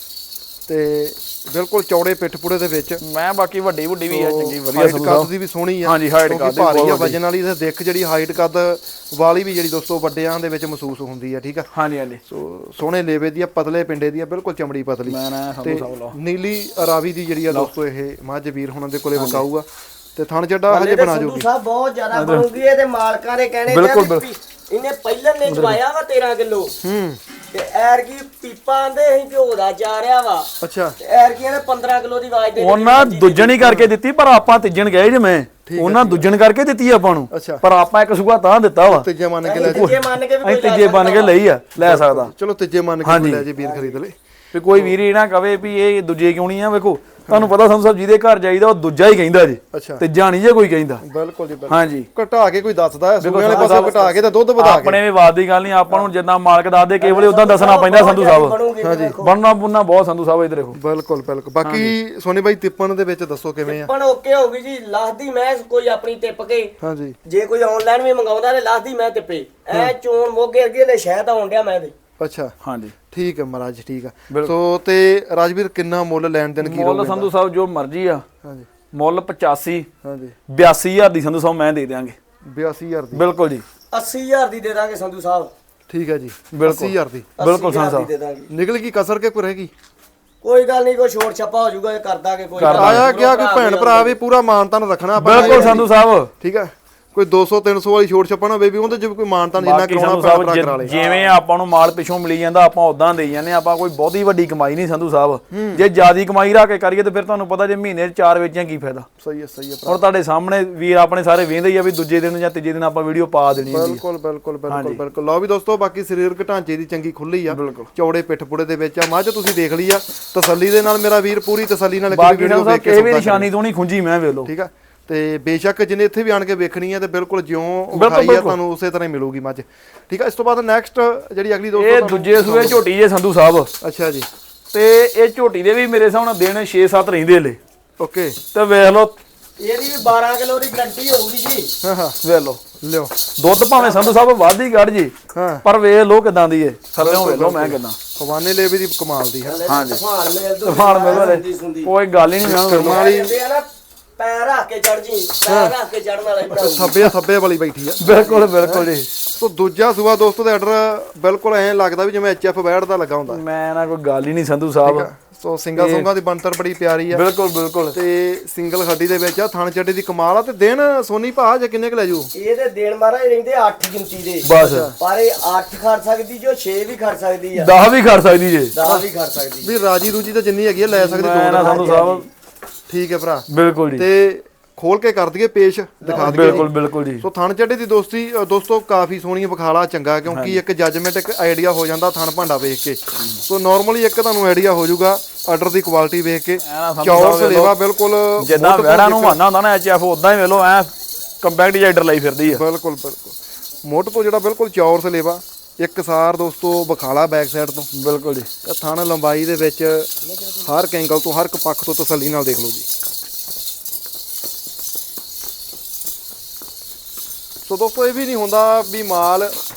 Speaker 1: ਤੇ ਬਿਲਕੁਲ ਚੌੜੇ ਪਿੱਠ ਪੁੜੇ ਦੇ ਵਿੱਚ।
Speaker 2: ਮੈਂ ਬਾਕੀ ਵੱਡੀ ਵੀ ਆ ਚੰਗੀ ਵਧੀਆ
Speaker 1: ਹਾਈਟ
Speaker 2: ਸੰਧੂ
Speaker 1: ਕੱਦ
Speaker 2: ਸਾਹਿਬ
Speaker 1: ਦੀ ਵੀ ਸੋਹਣੀ ਆ।
Speaker 2: ਹਾਂਜੀ ਹਾਈਟ
Speaker 1: ਕਿਉਂਕਿ
Speaker 2: ਕੱਦ ਦੀ
Speaker 1: ਭਾਰੀ ਆ
Speaker 2: ਬਹੁਤ
Speaker 1: ਵਜਨ ਵਾਲੀ। ਤੇ ਦਿੱਖ ਜਿਹੜੀ ਹਾਈਟ ਕੱਦ ਵਾਲੀ ਵੀ ਜਿਹੜੀ ਦੋਸਤੋ ਵੱਡਿਆਂ ਦੇ ਵਿੱਚ ਮਹਿਸੂਸ ਹੁੰਦੀ ਆ। ਠੀਕ ਆ।
Speaker 2: ਹਾਂਜੀ ਹਾਂਜੀ।
Speaker 1: ਸੋ ਸੋਹਣੇ ਲੇਵੇ ਦੀ ਆ, ਪਤਲੇ ਪਿੰਡੇ ਦੀ ਆ, ਬਿਲਕੁਲ ਚਮੜੀ ਪਤਲੀ।
Speaker 2: ਮੈਂ ਨਾ ਸੰਧੂ ਸਾਹਿਬ ਲਓ
Speaker 1: ਨੀਲੀ ਰਾਵੀ ਦੀ ਜਿਹੜੀ ਆ ਦੋਸਤੋ ਇਹ ਮੱਝ ਵੀਰ ਹੁਣਾਂ ਦੇ ਕੋਲੇ ਵਿਕਾਊ ਆ। ਤੇ ਥਣ ਚੱਡਾ ਹਜੇ ਬਣਾ
Speaker 3: ਸੰਧੂ
Speaker 1: ਜੂਗੀ।
Speaker 3: ਸਾਹਿਬ ਬਹੁਤ ਜ਼ਿਆਦਾ ਬਣੂਗੀ। ਇਹਦੇ ਮਾਲਕਾਂ ਦੇ ਕਹਿਣੇ
Speaker 2: ਬਿਲਕੁਲ
Speaker 3: ਇਹਨੇ ਪਹਿਲਾਂ ਨੇ ਚਵਾਇਆ ਵਾ 13 ਕਿਲੋ। ਤੇ ਐਰ ਕੀ ਪੀਪਾ ਆਂਦੇ ਅਸੀਂ ਘਿਓ ਦਾ ਚਾਰਿਆ ਵਾ।
Speaker 1: ਅੱਛਾ।
Speaker 3: ਤੇ ਐਰ ਕੀ ਇਹਨੇ 15 ਕਿਲੋ ਦੀ ਆਵਾਜ਼ ਦੇ
Speaker 2: ਉਹਨਾਂ ਦੁੱਜਣੀ ਕਰਕੇ ਦਿੱਤੀ ਪਰ ਆਪਾਂ ਤਿੱਜਣ ਗਏ ਜਿਵੇਂ ਉਹਨਾਂ ਦੁੱਜਣ ਕਰਕੇ ਦਿੱਤੀ ਆਪਾਂ ਨੂੰ।
Speaker 1: ਅੱਛਾ।
Speaker 2: ਪਰ ਆਪਾਂ ਇੱਕ ਸੂਆ ਤਾਂ ਦਿੱਤਾ ਵਾ।
Speaker 1: ਤੀਜੇ ਮੰਨ ਕੇ ਲੈ
Speaker 3: ਤੀਜੇ ਮੰਨ ਕੇ ਵੀ
Speaker 2: ਅਸੀਂ ਤੀਜੇ ਬਣ ਕੇ ਲਈ ਆ ਲੈ ਸਕਦਾ।
Speaker 1: ਚਲੋ ਤੀਜੇ ਮੰਨ ਕੇ ਲੈ ਜੇ ਵੀਰ ਖਰੀਦ ਲੈ।
Speaker 2: ਵੀ ਕੋਈ ਵੀਰ ਇਹ ਨਾ ਕਵੇ ਵੀ ਇਹ ਦੂਜੇ ਕਿਉਂ ਨਹੀਂ ਆ। ਵੇਖੋ ਤੁਹਾਨੂੰ ਪਤਾ ਸੰਧੂ ਸਾਹਿਬ ਜਿਹਦੇ ਘਰ ਜਾਈਦਾ ਉਹ ਦੂਜਾ ਹੀ ਕਹਿੰਦਾ ਜੀ।
Speaker 1: ਅੱਛਾ।
Speaker 2: ਤੇ ਜਾਣੀ ਜੇ ਕੋਈ ਕਹਿੰਦਾ।
Speaker 1: ਬਿਲਕੁਲ ਜੀ ਬਿਲਕੁਲ।
Speaker 2: ਹਾਂਜੀ
Speaker 1: ਘਟਾ ਕੇ ਕੋਈ ਦੱਸਦਾ ਸੂਏ ਵਾਲੇ ਪਾਸੇ ਘਟਾ ਕੇ ਤੇ ਦੁੱਧ ਵਧਾ ਕੇ।
Speaker 2: ਆਪਣੇ ਵੀ ਵਾਦ ਦੀ ਗੱਲ ਨਹੀਂ। ਆਪਾਂ ਨੂੰ ਜਿੱਦਾਂ ਮਾਲਕ ਦੱਸਦੇ ਕੇਵਲ ਉਦਾਂ ਦੱਸਣਾ ਪੈਂਦਾ ਸੰਧੂ ਸਾਹਿਬ।
Speaker 3: ਹਾਂਜੀ।
Speaker 2: ਬਣਨਾ ਬੁੰਨਾ ਬਹੁਤ ਸੰਧੂ ਸਾਹਿਬ ਇੱਧਰ ਦੇਖੋ।
Speaker 1: ਬਿਲਕੁਲ ਬਿਲਕੁਲ। ਬਾਕੀ ਸੋਨੀ ਬਾਈ ਤਿੱਪਣ ਦੇ ਵਿੱਚ ਦੱਸੋ ਕਿਵੇਂ ਆ?
Speaker 3: ਪਰ ਓਕੇ ਹੋਊਗੀ ਜੀ। ਲਾਹਦੀ ਮੈਂ ਕੋਈ ਆਪਣੀ ਟਿੱਪ ਕੇ
Speaker 1: ਹਾਂਜੀ।
Speaker 3: ਜੇ ਕੋਈ ਆਨਲਾਈਨ ਵੀ ਮੰਗਾਉਂਦਾ ਤੇ ਲਾਹਦੀ ਮੈਂ ਟਿੱਪੇ ਐ ਚੋਣ ਮੋਗੇ ਅੱਗੇ ਲੈ ਸ਼ਹਿਦ ਆਉਣ ਡਿਆ ਮੈਂ ਦੇ।
Speaker 1: ਅੱਛਾ।
Speaker 2: ਹਾਂਜੀ
Speaker 1: ਠੀਕ ਹੈ ਮਹਾਰਾਜ ਠੀਕ ਆ। ਸੋ ਤੇ ਰਾਜਵੀਰ ਕਿੰਨਾ ਮੁੱਲ ਲੈਣ ਦੇਣ ਕੀ
Speaker 2: ਮੁੱਲ ਸੰਧੂ ਸਾਹਿਬ ਜੋ ਮਰਜ਼ੀ ਆ।
Speaker 1: ਹਾਂਜੀ।
Speaker 2: ਮੁੱਲ 85
Speaker 1: ਹਾਂਜੀ
Speaker 2: 82000 ਦੀ ਸੰਧੂ ਸਾਹਿਬ ਮੈਂ ਦੇ ਦਿਆਂਗੇ।
Speaker 1: 82000 ਦੀ।
Speaker 2: ਬਿਲਕੁਲ ਜੀ।
Speaker 3: 80000 ਦੀ ਦੇ ਦਾਂਗੇ ਸੰਧੂ ਸਾਹਿਬ।
Speaker 1: ਠੀਕ ਹੈ ਜੀ।
Speaker 2: ਬਿਲਕੁਲ
Speaker 1: 80000 ਦੀ
Speaker 2: ਬਿਲਕੁਲ ਸੰਧੂ
Speaker 3: 80,000 ਦੀ
Speaker 2: ਸਾਹਿਬ।
Speaker 3: ਦੇ ਦਾਂਗੇ।
Speaker 1: ਨਿਕਲ ਗਈ ਕਸਰ ਕੇ ਕੋਈ ਰਹੇਗੀ?
Speaker 3: ਕੋਈ ਗੱਲ ਨਹੀਂ, ਕੋਈ ਛੋਟ ਛੱਪਾ ਹੋ ਜਾਊਗਾ, ਕਰ ਦਾਂਗੇ। ਕੋਈ
Speaker 1: ਆਇਆ ਗਿਆ ਕੋਈ ਭੈਣ ਭਰਾ ਵੀ ਪੂਰਾ ਮਾਨਤਾਨ ਰੱਖਣਾ ਆਪਾਂ।
Speaker 2: ਬਿਲਕੁਲ ਸੰਧੂ ਸਾਹਿਬ।
Speaker 1: ਠੀਕ ਆ। ਕੋਈ 200 300 ਵਾਲੀ ਛੋਟ ਛੱਪਾ ਨਾ ਹੋਵੇ ਵੀ ਉਹਦੇ ਚ ਕੋਈ ਮਾਨਤਾਨ ਜਿੰਨਾ ਕਰਾਉਣਾ ਭੈਣ ਭਰਾ ਕਰਾ ਲੇ।
Speaker 2: ਜਿਵੇਂ ਆਪਾਂ ਨੂੰ ਮਾਲ ਪਿੱਛੋਂ ਮਿਲੀ ਜਾਂਦਾ ਆਪਾਂ ਉਦਾਂ ਦੇਈ ਜਾਂਦੇ। ਆਪਾਂ ਕੋਈ ਬਹੁਤੀ ਵੱਡੀ ਕਮਾਈ ਨਹੀਂ ਸੰਧੂ ਸਾਹਿਬ। ਜੇ ਜਿਆਦੀ ਕਮਾਈ ਰੱਖ ਕੇ ਕਰੀਏ ਤੇ ਫਿਰ ਤੁਹਾਨੂੰ ਪਤਾ ਜੇ ਮਹੀਨੇ 'ਚ 4 ਵੇਚਿਆ ਕੀ ਫਾਇਦਾ।
Speaker 1: ਸਹੀ ਹੈ ਸਹੀ ਹੈ।
Speaker 2: ਹੁਣ ਤੁਹਾਡੇ ਸਾਹਮਣੇ ਵੀਰ ਆਪਣੇ ਸਾਰੇ ਵੇਂਦੇ ਹੀ ਆ ਵੀ ਦੂਜੇ ਦਿਨ ਜਾਂ ਤੀਜੇ ਦਿਨ ਆਪਾਂ ਵੀਡੀਓ ਪਾ ਦੇਣੀ ਹੁੰਦੀ
Speaker 1: ਬਿਲਕੁਲ ਬਿਲਕੁਲ ਬਿਲਕੁਲ ਬਿਲਕੁਲ। ਲਓ ਵੀ ਦੋਸਤੋ ਬਾਕੀ ਸਰੀਰਕ ਢਾਂਚੇ ਦੀ ਚੰਗੀ ਖੁੱਲੀ ਆ। ਚੌੜੇ ਪਿੱਠ ਪੁੜੇ ਦੇ ਵਿੱਚ ਆ ਮੱਝ ਤੁਸੀਂ ਦੇਖ ਲਈ ਆ। ਤਸੱਲੀ ਦੇ ਨਾਲ ਮੇਰਾ ਵੀਰ ਪੂਰੀ ਤਸੱਲੀ ਨਾਲ
Speaker 2: ਵੀਡੀਓ ਵੇਖ ਕੇ ਵੀ ਨਿਸ਼ਾਨੀ ਤੋਂ ਨਹੀਂ ਖੁੰਝੀ ਮੈਂ ਵੇਖ ਲਓ।
Speaker 1: ਠੀਕ ਆ। ਤੇ ਬੇਸ਼ੱਕ ਜਿਹਨੇ ਇੱਥੇ ਵੀ ਆਣ ਕੇ ਵੇਖਣੀ ਹੈ ਤੇ ਬਿਲਕੁਲ ਜਿਉਂ ਵਿਖਾਈ ਆ ਤੁਹਾਨੂੰ ਉਸੇ ਤਰ੍ਹਾਂ ਹੀ ਮਿਲੂਗੀ ਮੱਝ। ਠੀਕ ਆ। ਇਸ ਤੋਂ ਬਾਅਦ ਨੈਕਸਟ ਜਿਹੜੀ ਅਗਲੀ ਦੋਸਤੋ
Speaker 2: ਇਹ ਦੂਜੇ ਸੂਏ ਝੋਟੀ ਜੇ ਸੰਧੂ ਸਾਹਿਬ।
Speaker 1: ਅੱਛਾ ਜੀ।
Speaker 2: ਤੇ ਇਹ ਝੋਟੀ ਦੇ ਵੀ ਮੇਰੇ ਹਿਸਾਬ ਨਾਲ ਦਿਨ 6-7 ਰਹਿੰਦੇ ਲੈ।
Speaker 1: ਓਕੇ।
Speaker 2: ਤੇ ਵੇਖ ਲਓ
Speaker 3: ਇਹਦੀ ਵੀ 12 ਕਿਲੋ ਦੀ ਗਰੰਟੀ ਹੋਊਗੀ ਜੀ।
Speaker 1: ਹਾਂ ਹਾਂ
Speaker 2: ਵੇਖ ਲਓ
Speaker 1: ਲਿਓ
Speaker 2: ਦੁੱਧ ਭਾਵੇਂ ਸੰਧੂ ਸਾਹਿਬ ਵੱਧ ਹੀ ਕੱਢ ਜੀ।
Speaker 1: ਹਾਂ
Speaker 2: ਪਰ ਵੇਖ ਲਓ ਕਿਦਾਂ ਦੀ ਏ ਥੱਲੇੋਂ ਵੇਖ ਲਓ ਮੈਂ ਕਿਦਾਂ
Speaker 1: ਖਵਾਨੇ ਲੇਵੇ ਦੀ ਕਮਾਲ ਦੀ ਹੈ।
Speaker 2: ਹਾਂਜੀ
Speaker 3: ਤੂਫਾਨ ਮੇਲ ਤੋਂ
Speaker 2: ਤੂਫਾਨ ਮੇਲ ਕੋਈ ਗੱਲ ਹੀ ਨਹੀਂ ਮੈਂ
Speaker 1: ਕਰਮਾਂ ਵਾਲੀ
Speaker 3: ਪੈਰ ਰੱਖ ਕੇ ਚੜ ਜੀ। ਪੈਰ ਰੱਖ ਕੇ ਚੜਨ ਵਾਲਾ ਹੀ
Speaker 1: ਥੱਬੇ ਵਾਲੀ ਬੈਠੀ ਆ।
Speaker 2: ਬਿਲਕੁਲ ਬਿਲਕੁਲ ਜੀ।
Speaker 1: ਸੋ ਦੂਜਾ ਸੂਆ ਦੋਸਤੋ ਦਾ ਆਰਡਰ ਬਿਲਕੁਲ ਐਂ ਲੱਗਦਾ ਵੀ ਜਿਵੇਂ ਐਚਐਫ ਬੈੜ ਦਾ ਲੱਗਾ ਹੁੰਦਾ।
Speaker 2: ਮੈਂ ਨਾ ਕੋਈ ਗੱਲ ਹੀ ਨਹੀਂ ਸੰਧੂ ਸਾਹਿਬ।
Speaker 1: ਸੋ ਸਿੰਗਾ ਸੁੰਗਾ ਦੀ ਬੰਤਰ ਬੜੀ ਪਿਆਰੀ ਆ।
Speaker 2: ਬਿਲਕੁਲ ਬਿਲਕੁਲ।
Speaker 1: ਤੇ ਸਿੰਗਲ ਖੱਡੀ ਦੇ ਵਿੱਚ ਆ। ਥਣ ਚੱਡੇ ਦੀ ਕਮਾਲ ਆ। ਤੇ ਦਿਨ ਸੋਨੀ ਭਾ ਜੇ ਕਿੰਨੇ ਕ ਲੈ ਜੂ?
Speaker 3: ਇਹਦੇ ਦੇਣ ਮਹਾਰਾਜ ਰਹਿੰਦੇ 8 ਗਿਣਤੀ ਦੇ
Speaker 2: ਬਸ।
Speaker 3: ਪਰ ਇਹ 8 ਖੜ ਸਕਦੀ ਜੋ 6 ਵੀ ਖੜ ਸਕਦੀ ਆ।
Speaker 2: 10 ਵੀ ਖੜ ਸਕਦੀ ਜੇ।
Speaker 3: 10 ਵੀ ਖੜ ਸਕਦੀ।
Speaker 1: ਵੀ ਰਾਜੀ ਰੂਜੀ ਤਾਂ ਜਿੰਨੀ ਹੈਗੀ ਆ ਲੈ ਸਕਦੀ
Speaker 2: ਮੈਂ ਨਾ ਸੰਧੂ ਸਾਹਿਬ।
Speaker 1: ਠੀਕ ਹੈ ਭਰਾ।
Speaker 2: ਬਿਲਕੁਲ ਜੀ।
Speaker 1: ਤੇ ਖੋਲ ਕੇ ਕਰ ਦਈਏ ਪੇਸ਼ ਦਿਖਾ ਦਈਏ।
Speaker 2: ਬਿਲਕੁਲ ਬਿਲਕੁਲ ਜੀ।
Speaker 1: ਸੋ ਥਣ ਚੱਡੇ ਦੀ ਦੋਸਤੋ ਕਾਫੀ ਸੋਹਣੀ ਵਿਖਾਲਾ ਚੰਗਾ ਕਿਉਂਕਿ ਇੱਕ ਜੱਜਮੈਂਟ ਇੱਕ ਆਈਡੀਆ ਹੋ ਜਾਂਦਾ ਥਣ ਭਾਂਡਾ ਵੇਖ ਕੇ। ਸੋ ਨਾਰਮਲੀ ਇੱਕ ਤੁਹਾਨੂੰ ਆਈਡੀਆ ਹੋ ਜਾਊਗਾ ਆਰਡਰ ਦੀ ਕੁਆਲਿਟੀ ਵੇਖ ਕੇ। ਚੌਰ ਸਲੇਵਾ ਬਿਲਕੁਲ
Speaker 2: ਜਿੱਦਾਂ ਵੈੜਾਂ ਨੂੰ ਮਾਨਾ ਹੁੰਦਾ ਨਾ ਐਚਐਫ ਉਦਾਂ ਹੀ ਵੇਖ ਲਓ ਐ ਕੰਪੈਕਟ ਜਾਈਡਰ ਲਈ ਫਿਰਦੀ ਆ।
Speaker 1: ਬਿਲਕੁਲ ਬਿਲਕੁਲ। ਮੁੱਢ ਤੋਂ ਜਿਹੜਾ ਬਿਲਕੁਲ ਚੌਰ ਸਲੇਵਾ ਇੱਕਸਾਰ ਦੋਸਤੋ ਵਿਖਾਲਾ ਬੈਕ ਸਾਈਡ ਤੋਂ।
Speaker 2: ਬਿਲਕੁਲ ਜੀ।
Speaker 1: ਥਣ ਲੰਬਾਈ ਦੇ ਵਿੱਚ ਹਰ ਐਂਗਲ ਤੋਂ ਹਰ ਇੱਕ ਪੱਖ ਤੋਂ ਤਸੱਲੀ ਨਾਲ ਦੇਖ ਲਓ ਜੀ। ਸੋ ਦੋਸਤੋ ਇਹ ਵੀ ਨਹੀਂ ਹੁੰਦਾ ਵੀ ਮਾਲ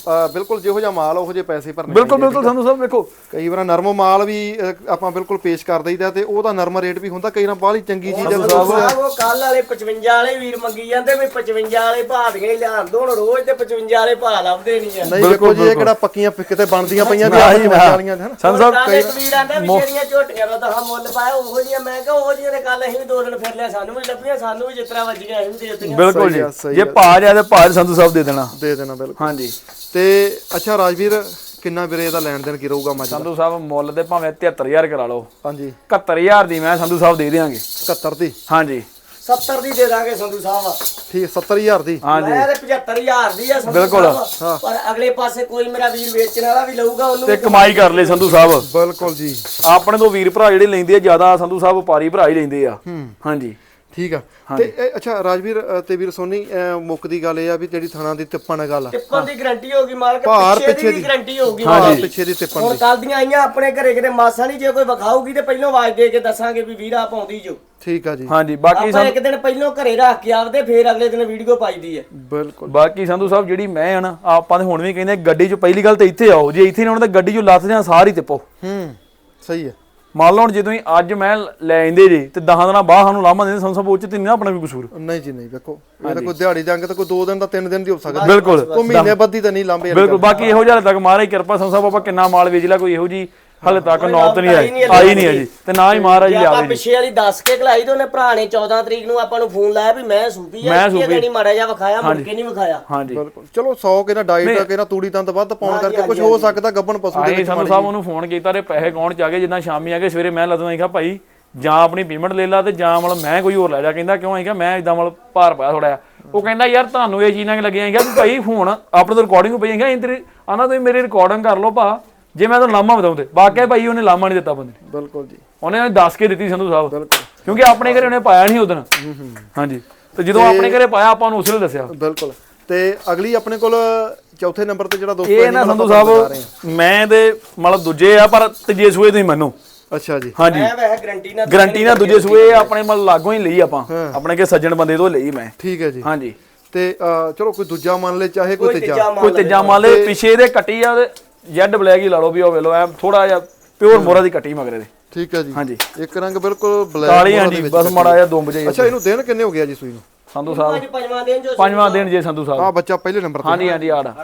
Speaker 1: ਬਿਲਕੁਲ ਜਿਹੋ ਜਿਹਾ ਮਾਲ ਉਹੋ ਜਿਹੇ ਪੈਸੇ ਭਰਨੇ
Speaker 2: ਬਿਲਕੁਲ ਬਿਲਕੁਲ ਸੰਧੂ ਸਾਹਿਬ ਵੇਖੋ
Speaker 1: ਕਈ ਵਾਰ ਨਰਮ ਮਾਲ ਵੀ ਆਪਾਂ ਬਿਲਕੁਲ ਪੇਸ਼ ਕਰ ਦਈਦਾ ਤੇ ਉਹਦਾ ਨਰਮ ਰੇਟ ਵੀ ਹੁੰਦਾ ਕਈ ਵਾਰ ਬਾਹਲੀ ਚੰਗੀ ਚੀਜ਼ ਆ
Speaker 3: ਉਹ ਕੱਲ ਵਾਲੇ 55 ਵਾਲੇ ਵੀਰ ਮੰਗੀ ਜਾਂਦੇ ਵੀ 55 ਵਾਲੇ ਭਾਅ ਦੀਆਂ ਹੀ ਲਿਆਣ ਦੋ ਹੁਣ ਰੋਜ਼ ਤੇ 55 ਵਾਲੇ ਭਾਅ ਲੱਭਦੇ ਨਹੀਂ ਆ
Speaker 1: ਨਹੀਂ ਦੇਖੋ ਜੀ ਇਹ ਕਿਹੜਾ ਪੱਕੀਆਂ ਕਿਤੇ ਬਣਦੀਆਂ ਪਈਆਂ ਵੀ ਆਹੀ ਵਾਲੀਆਂ ਹਨ
Speaker 2: ਸੰਧੂ ਸਾਹਿਬ
Speaker 3: ਇੱਕ ਵੀਰ ਆਂਦਾ ਵੀ ਜਿਹੜੀਆਂ ਝੋਟੀਆਂ ਦਾ ਤਾਂ ਮੁੱਲ ਪਾਇਆ ਉਹੋ ਜਿਹੀਆਂ ਮੈਂ ਕਿਹਾ ਉਹੋ ਜਿਹੀਆਂ ਦੇ ਕੱਲ ਅਸੀਂ ਵੀ 2 ਦਿਨ ਫਿਰ ਲਿਆ ਸਾਨੂੰ ਵੀ ਲੱਭੀਆਂ ਸਾਨੂੰ ਵੀ ਜਿਸ ਤਰ੍ਹਾਂ ਵੱਜੀਆਂ ਅਸੀਂ ਵੀ ਦੇ ਦਿੱਤੀਆਂ
Speaker 2: ਬਿਲਕੁਲ ਜੀ ਜੇ ਭਾਅ ਜਾ ਤੇ ਭਾਅ ਸੰਧੂ ਸਾਹਿਬ ਦੇ ਦੇਣਾ
Speaker 1: ਬਿਲਕੁਲ
Speaker 2: ਹਾਂਜੀ
Speaker 1: ਤੇ ਅੱਛਾ ਰਾਜਵੀਰ ਕਿੰਨਾ ਵੀਰੇ ਇਹਦਾ ਲੈਣ ਦੇਣ ਕੀ ਰਹੂਗਾ ਮੱਝ ਦਾ
Speaker 2: ਸੰਧੂ ਸਾਹਿਬ ਮੁੱਲ ਦੇ ਭਾਵੇਂ 73000 ਕਰਾ ਲਓ
Speaker 1: ਹਾਂਜੀ
Speaker 2: 71000 ਦੀ ਮੈਂ ਸੰਧੂ ਸਾਹਿਬ ਦੇ ਦਿਆਂਗੇ
Speaker 1: 71 ਦੀ
Speaker 2: ਹਾਂਜੀ
Speaker 3: 70 ਦੀ ਦੇ ਦਾਂਗੇ ਸੰਧੂ ਸਾਹਿਬ
Speaker 1: ਠੀਕ 70000 ਦੀ
Speaker 2: ਹਾਂਜੀ
Speaker 3: ਮੈਂ ਤੇ 75000 ਦੀ ਆ ਸੰਧੂ
Speaker 2: ਬਿਲਕੁਲ।
Speaker 3: ਸਾਹਿਬ ਪਰ ਅਗਲੇ ਪਾਸੇ ਕੋਈ ਮੇਰਾ ਵੀਰ ਵੇਚਣ ਵਾਲਾ ਵੀ ਲਊਗਾ ਉਹਨੂੰ
Speaker 2: ਤੇ ਕਮਾਈ ਕਰ ਲੈ ਸੰਧੂ ਸਾਹਿਬ
Speaker 1: ਬਿਲਕੁਲ ਜੀ
Speaker 2: ਆਪਣੇ ਤੋਂ ਵੀਰ ਭਰਾ ਜਿਹੜੇ ਲੈਂਦੇ ਆ ਜ਼ਿਆਦਾ ਸੰਧੂ ਸਾਹਿਬ ਵਪਾਰੀ ਭਰਾ ਹੀ ਲੈਂਦੇ ਆ ਹਾਂਜੀ
Speaker 1: ਠੀਕ ਆ ਤੇ ਅੱਛਾ ਰਾਜਵੀਰ ਤੇ ਵੀਰ ਸੋਨੀ ਮੁੱਕ ਦੀ ਗੱਲ ਇਹ ਆ ਵੀ ਜਿਹੜੀ ਥਣਾ ਦੀ ਤਿੱਪਣ ਗੱਲ ਆ
Speaker 3: ਟਿੱਪਣ ਦੀ ਗਾਰੰਟੀ ਹੋਗੀ ਮਾਲਕ
Speaker 1: ਭਾਰ
Speaker 3: ਪਿੱਛੇ ਦੀ ਗਾਰੰਟੀ ਹੋਗੀ
Speaker 1: ਹਾਂ ਪਿੱਛੇ ਦੀ ਤਿੱਪਣ
Speaker 3: ਹੁਣ ਕੱਲ ਦੀਆਂ ਆਈਆਂ ਆਪਣੇ ਘਰੇ ਕਿਤੇ ਮਾਸਾ ਨਹੀਂ ਜੇ ਕੋਈ ਵਿਖਾਊਗੀ ਤੇ ਪਹਿਲਾਂ ਆਵਾਜ਼ ਦੇ ਕੇ ਦੱਸਾਂਗੇ ਵੀ ਵੀਰਾ ਪਾਉਂਦੀ ਜੋ
Speaker 1: ਠੀਕ ਆ ਜੀ
Speaker 2: ਹਾਂਜੀ ਬਾਕੀ
Speaker 3: ਆਪਾਂ ਇੱਕ ਦਿਨ ਪਹਿਲਾਂ ਘਰੇ ਰੱਖ ਕੇ ਆਪਦੇ ਫੇਰ ਅਗਲੇ ਦਿਨ ਵੀਡੀਓ ਪਾਈਦੀ ਹੈ
Speaker 1: ਬਿਲਕੁਲ
Speaker 2: ਬਾਕੀ ਸੰਧੂ ਸਾਹਿਬ ਜਿਹੜੀ ਮੈਂ ਆ ਨਾ ਆਪਾਂ ਤੇ ਹੁਣ ਵੀ ਕਹਿੰਦੇ ਗੱਡੀ 'ਚ ਪਹਿਲੀ ਗੱਲ ਤੇ ਇੱਥੇ ਆਓ ਜੇ ਇੱਥੇ ਨਾ ਆਉਣਾ ਤਾਂ ਗੱਡੀ 'ਚੋਂ ਲੱਥ ਜਾਂ ਸਾਰੀ ਤਿੱਪੋ
Speaker 1: ਸਹੀ ਹੈ
Speaker 2: ਮੰਨ ਲਓ ਹੁਣ ਜਦੋਂ ਹੀ ਅੱਜ ਮੈਂ ਲੈ ਆਂਦੇ ਜੇ ਤੇ 10 ਦਿਨਾਂ ਬਾਅਦ ਸਾਨੂੰ ਲਾਮਾ ਦਿੰਦੇ ਸੰਧੂ ਸਾਹਿਬ ਉਹ 'ਚ ਤੇ ਨਹੀਂ ਨਾ ਆਪਣਾ ਕੋਈ ਕਸੂਰ
Speaker 1: ਨਹੀਂ ਜੀ ਨਹੀਂ ਵੇਖੋ ਇਹ ਤਾਂ ਕੋਈ ਦਿਹਾੜੀ ਜਾਂਗੇ ਤਾਂ ਕੋਈ 2 ਦਿਨ ਦਾ 3 ਦਿਨ ਦੀ ਹੋ ਸਕਦਾ
Speaker 2: ਬਿਲਕੁਲ
Speaker 1: ਕੋਈ ਮਹੀਨੇ ਬੱਧੀ ਤਾਂ ਨਹੀਂ ਲਾਂਬੇ
Speaker 2: ਬਿਲਕੁਲ ਬਾਕੀ ਇਹੋ ਜਿਹਾ ਤੱਕ ਮਹਾਰਾਜ ਕਿਰਪਾ ਸੰਧੂ ਸਾਹਿਬ ਆਪਾਂ ਕਿੰਨਾ ਮਾਲ ਵੇਚ ਲਿਆ ਕੋਈ ਇਹੋ ਜੀ ਹਲੇ ਤੱਕ ਨੌਬਤ ਨਹੀਂ ਆਈ ਨਹੀਂ ਅਜੀ ਤੇ ਨਾ ਹੀ ਮਹਾਰਾਜ
Speaker 3: ਆਪਾਂ
Speaker 2: ਲਿਆਵੇ
Speaker 3: ਪਿੱਛੇ ਵਾਲੀ ਦੱਸ ਕੇ ਖਲਾਈ ਤੇ ਉਹਨੇ ਭਰਾ ਨੇ 14 ਤਰੀਕ ਨੂੰ ਆਪਾਂ ਨੂੰ ਫੋਨ ਲਾਇਆ ਵੀ ਮੈਂ ਸੂਪੀ ਆ ਇਹ ਦੇਣੀ ਮਾੜਾ ਜਿਹਾ ਵਿਖਾਇਆ ਮੁੜ ਕੇ ਨਹੀਂ ਵਿਖਾਇਆ
Speaker 2: ਹਾਂਜੀ
Speaker 1: ਬਿਲਕੁਲ ਚਲੋ 100 ਕਿਹਦਾ ਡਾਈਟ ਕਿਹਦਾ ਤੂੜੀ ਤੰਦ ਵੱਧ ਪਾਉਣ ਕਰਕੇ ਕੁਝ ਹੋ ਸਕਦਾ ਗੱਬਣ ਪਸ਼ੂ ਦੇ ਵਿੱਚ
Speaker 2: ਸੰਧੂ ਸਾਹਿਬ ਉਹਨੂੰ ਫੋਨ ਕੀਤਾ ਤੇ ਪੈਸੇ ਕੌਣ ਚ ਆ ਗਏ ਜਿੱਦਾਂ ਸ਼ਾਮੀ ਆ ਕੇ ਸਵੇਰੇ ਮੈਂ ਲੱਦਣਾ ਹੀ ਕਿਹਾ ਭਾਈ ਜਾਂ ਆਪਣੀ ਪੇਮੈਂਟ ਲੈ ਲਾ ਤੇ ਜਾਂ ਮਤਲਬ ਮੈਂ ਕੋਈ ਹੋਰ ਲੈ ਜਾ ਕਹਿੰਦਾ ਕਿਉਂ ਆਏਗਾ ਮੈਂ ਇਦਾਂ ਮਤਲਬ ਭਾਰ ਪਾਇਆ ਥੋੜਾ ਉਹ ਕਹਿੰਦਾ ਯਾਰ ਤੁਹਾਨੂੰ ਇਹ ਚੀਜ਼ਾਂ ਲੱਗੀਆਂ ਹੈਗਾ ਵੀ ਭਾਈ ਫੋਨ ਆਪਣੇ ਤੋਂ ਰਿਕਾਰਡਿੰਗ ਪਈ ਹੈਗਾ ਇੰਤਰੀ ਆਨਾ ਤੁਸੀਂ ਮੇਰੀ ਰਿਕਾਰਡਿੰਗ ਕਰ ਲਓ ਭਾ ਜੇ ਮੈਂ ਤੁਹਾਨੂੰ ਲਾਮਾ ਬਤਾਉਂਦੇ ਵਾਕਿਆ ਭਾਈ ਉਹਨੇ ਲਾਮਾ ਨਹੀਂ ਦਿੱਤਾ ਬੰਦੇ
Speaker 1: ਬਿਲਕੁਲ ਜੀ
Speaker 2: ਉਹਨੇ ਦੱਸ ਕੇ ਦਿੱਤੀ ਸੰਧੂ ਸਾਹਿਬ ਕਿਉਂਕਿ ਆਪਣੇ ਘਰੇ ਉਹਨੇ ਪਾਇਆ ਨਹੀਂ ਉਦੋਂ ਹਾਂਜੀ ਤੇ ਜਦੋਂ ਆਪਣੇ ਘਰੇ ਪਾਇਆ ਆਪਾਂ ਨੂੰ ਉਸੇ ਨੇ ਦੱਸਿਆ
Speaker 1: ਬਿਲਕੁਲ ਤੇ ਅਗਲੀ ਆਪਣੇ ਕੋਲ ਚੌਥੇ ਨੰਬਰ ਤੇ ਜਿਹੜਾ ਦੋਸਤੋ
Speaker 2: ਇਹ ਨਾ ਸੰਧੂ ਸਾਹਿਬ ਮੈਂ ਤੇ ਮਤਲਬ ਦੂਜੇ ਆ ਪਰ ਤੀਜੇ ਸੂਏ ਤੁਸੀਂ ਮੰਨੋ
Speaker 1: ਅੱਛਾ ਜੀ
Speaker 2: ਹਾਂਜੀ
Speaker 3: ਮੈਂ ਵੈਸੇ
Speaker 2: ਗਰੰਟੀ ਨਾਲ ਦੂਜੇ ਸੂਏ ਆਪਣੇ ਮਤਲਬ ਲਾਗੋਂ ਹੀ ਲਈ ਆਪਾਂ ਆਪਣੇ ਕੇ ਸੱਜਣ ਬੰਦੇ ਤੋਂ ਲਈ ਮੈਂ
Speaker 1: ਠੀਕ ਹੈ ਜੀ
Speaker 2: ਹਾਂਜੀ
Speaker 1: ਤੇ ਚਲੋ ਕੋਈ ਦੂਜਾ ਮੰਨ ਲੈ ਚਾਹੇ ਕੋਈ
Speaker 2: ਤੀਜਾ ਮੰਨ ਲੈ ਪਿਛੇ ਦੇ ਕੱਟੀ ਆ ਜੈਡ ਬਲੈਕ ਹੀ ਲਾ ਲਓ ਵੀ ਉਹ ਵੇਲੋ ਐ ਥੋੜਾ ਜਿਹਾ ਪਿਓਰ ਮੋਰਾ ਦੀ ਕੱਟੀ ਮਗਰੇ ਦੇ
Speaker 1: ਠੀਕ ਹੈ ਜੀ
Speaker 2: ਹਾਂਜੀ
Speaker 1: ਇੱਕ ਰੰਗ ਬਿਲਕੁਲ ਬਲੈਕ
Speaker 2: ਕਾਲੀ ਹਾਂਜੀ ਬਸ ਮਾੜਾ ਜਿਹਾ ਦੁੰਬ ਜਿਹਾ
Speaker 1: ਅੱਛਾ ਇਹਨੂੰ ਦਿਨ ਕਿੰਨੇ ਹੋ ਗਿਆ ਜੀ ਸੂਈ ਨੂੰ
Speaker 2: ਸੰਧੂ ਸਾਹਿਬ
Speaker 3: ਪੰਜਵਾਂ
Speaker 2: ਦਿਨ ਜੇ ਸੰਧੂ ਸਾਹਿਬ
Speaker 1: ਆ ਬੱਚਾ ਪਹਿਲੇ ਨੰਬਰ ਤੇ
Speaker 2: ਹਾਂਜੀ ਹਾਂਜੀ ਆੜ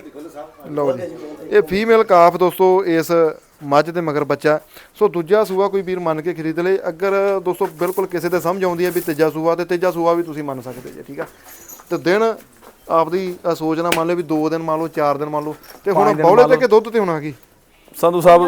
Speaker 1: ਲਓ ਜੀ ਇਹ ਫੀਮੇਲ ਕਾਫ ਦੋਸਤੋ ਇਸ ਮੱਝ ਦੇ ਮਗਰ ਬੱਚਾ ਸੋ ਦੂਜਾ ਸੂਆ ਕੋਈ ਵੀਰ ਮੰਨ ਕੇ ਖਰੀਦ ਲੇ ਅਗਰ ਦੋਸਤੋ ਬਿਲਕੁਲ ਕਿਸੇ ਦੇ ਸਮਝ ਆਉਂਦੀ ਹੈ ਵੀ ਤੀਜਾ ਸੂਆ ਤੇ ਤੀਜਾ ਸੂਆ ਵੀ ਤੁਸੀਂ ਮੰਨ ਸਕਦੇ ਜੀ ਠੀਕ ਆ ਤੇ ਦਿਨ ਆਪਦੀ ਸੋਚ ਨਾ ਮੰਨ ਲਓ ਵੀ 2 ਦਿਨ ਮੰਨ ਲਓ 4 ਦਿਨ ਮੰਨ ਲਓ ਤੇ ਹੁਣ ਬੌਲੇ ਤੇ ਕਿ ਦੁੱਧ ਤੇ ਹੋਣਾ ਕੀ
Speaker 2: ਸੰਧੂ ਸਾਹਿਬ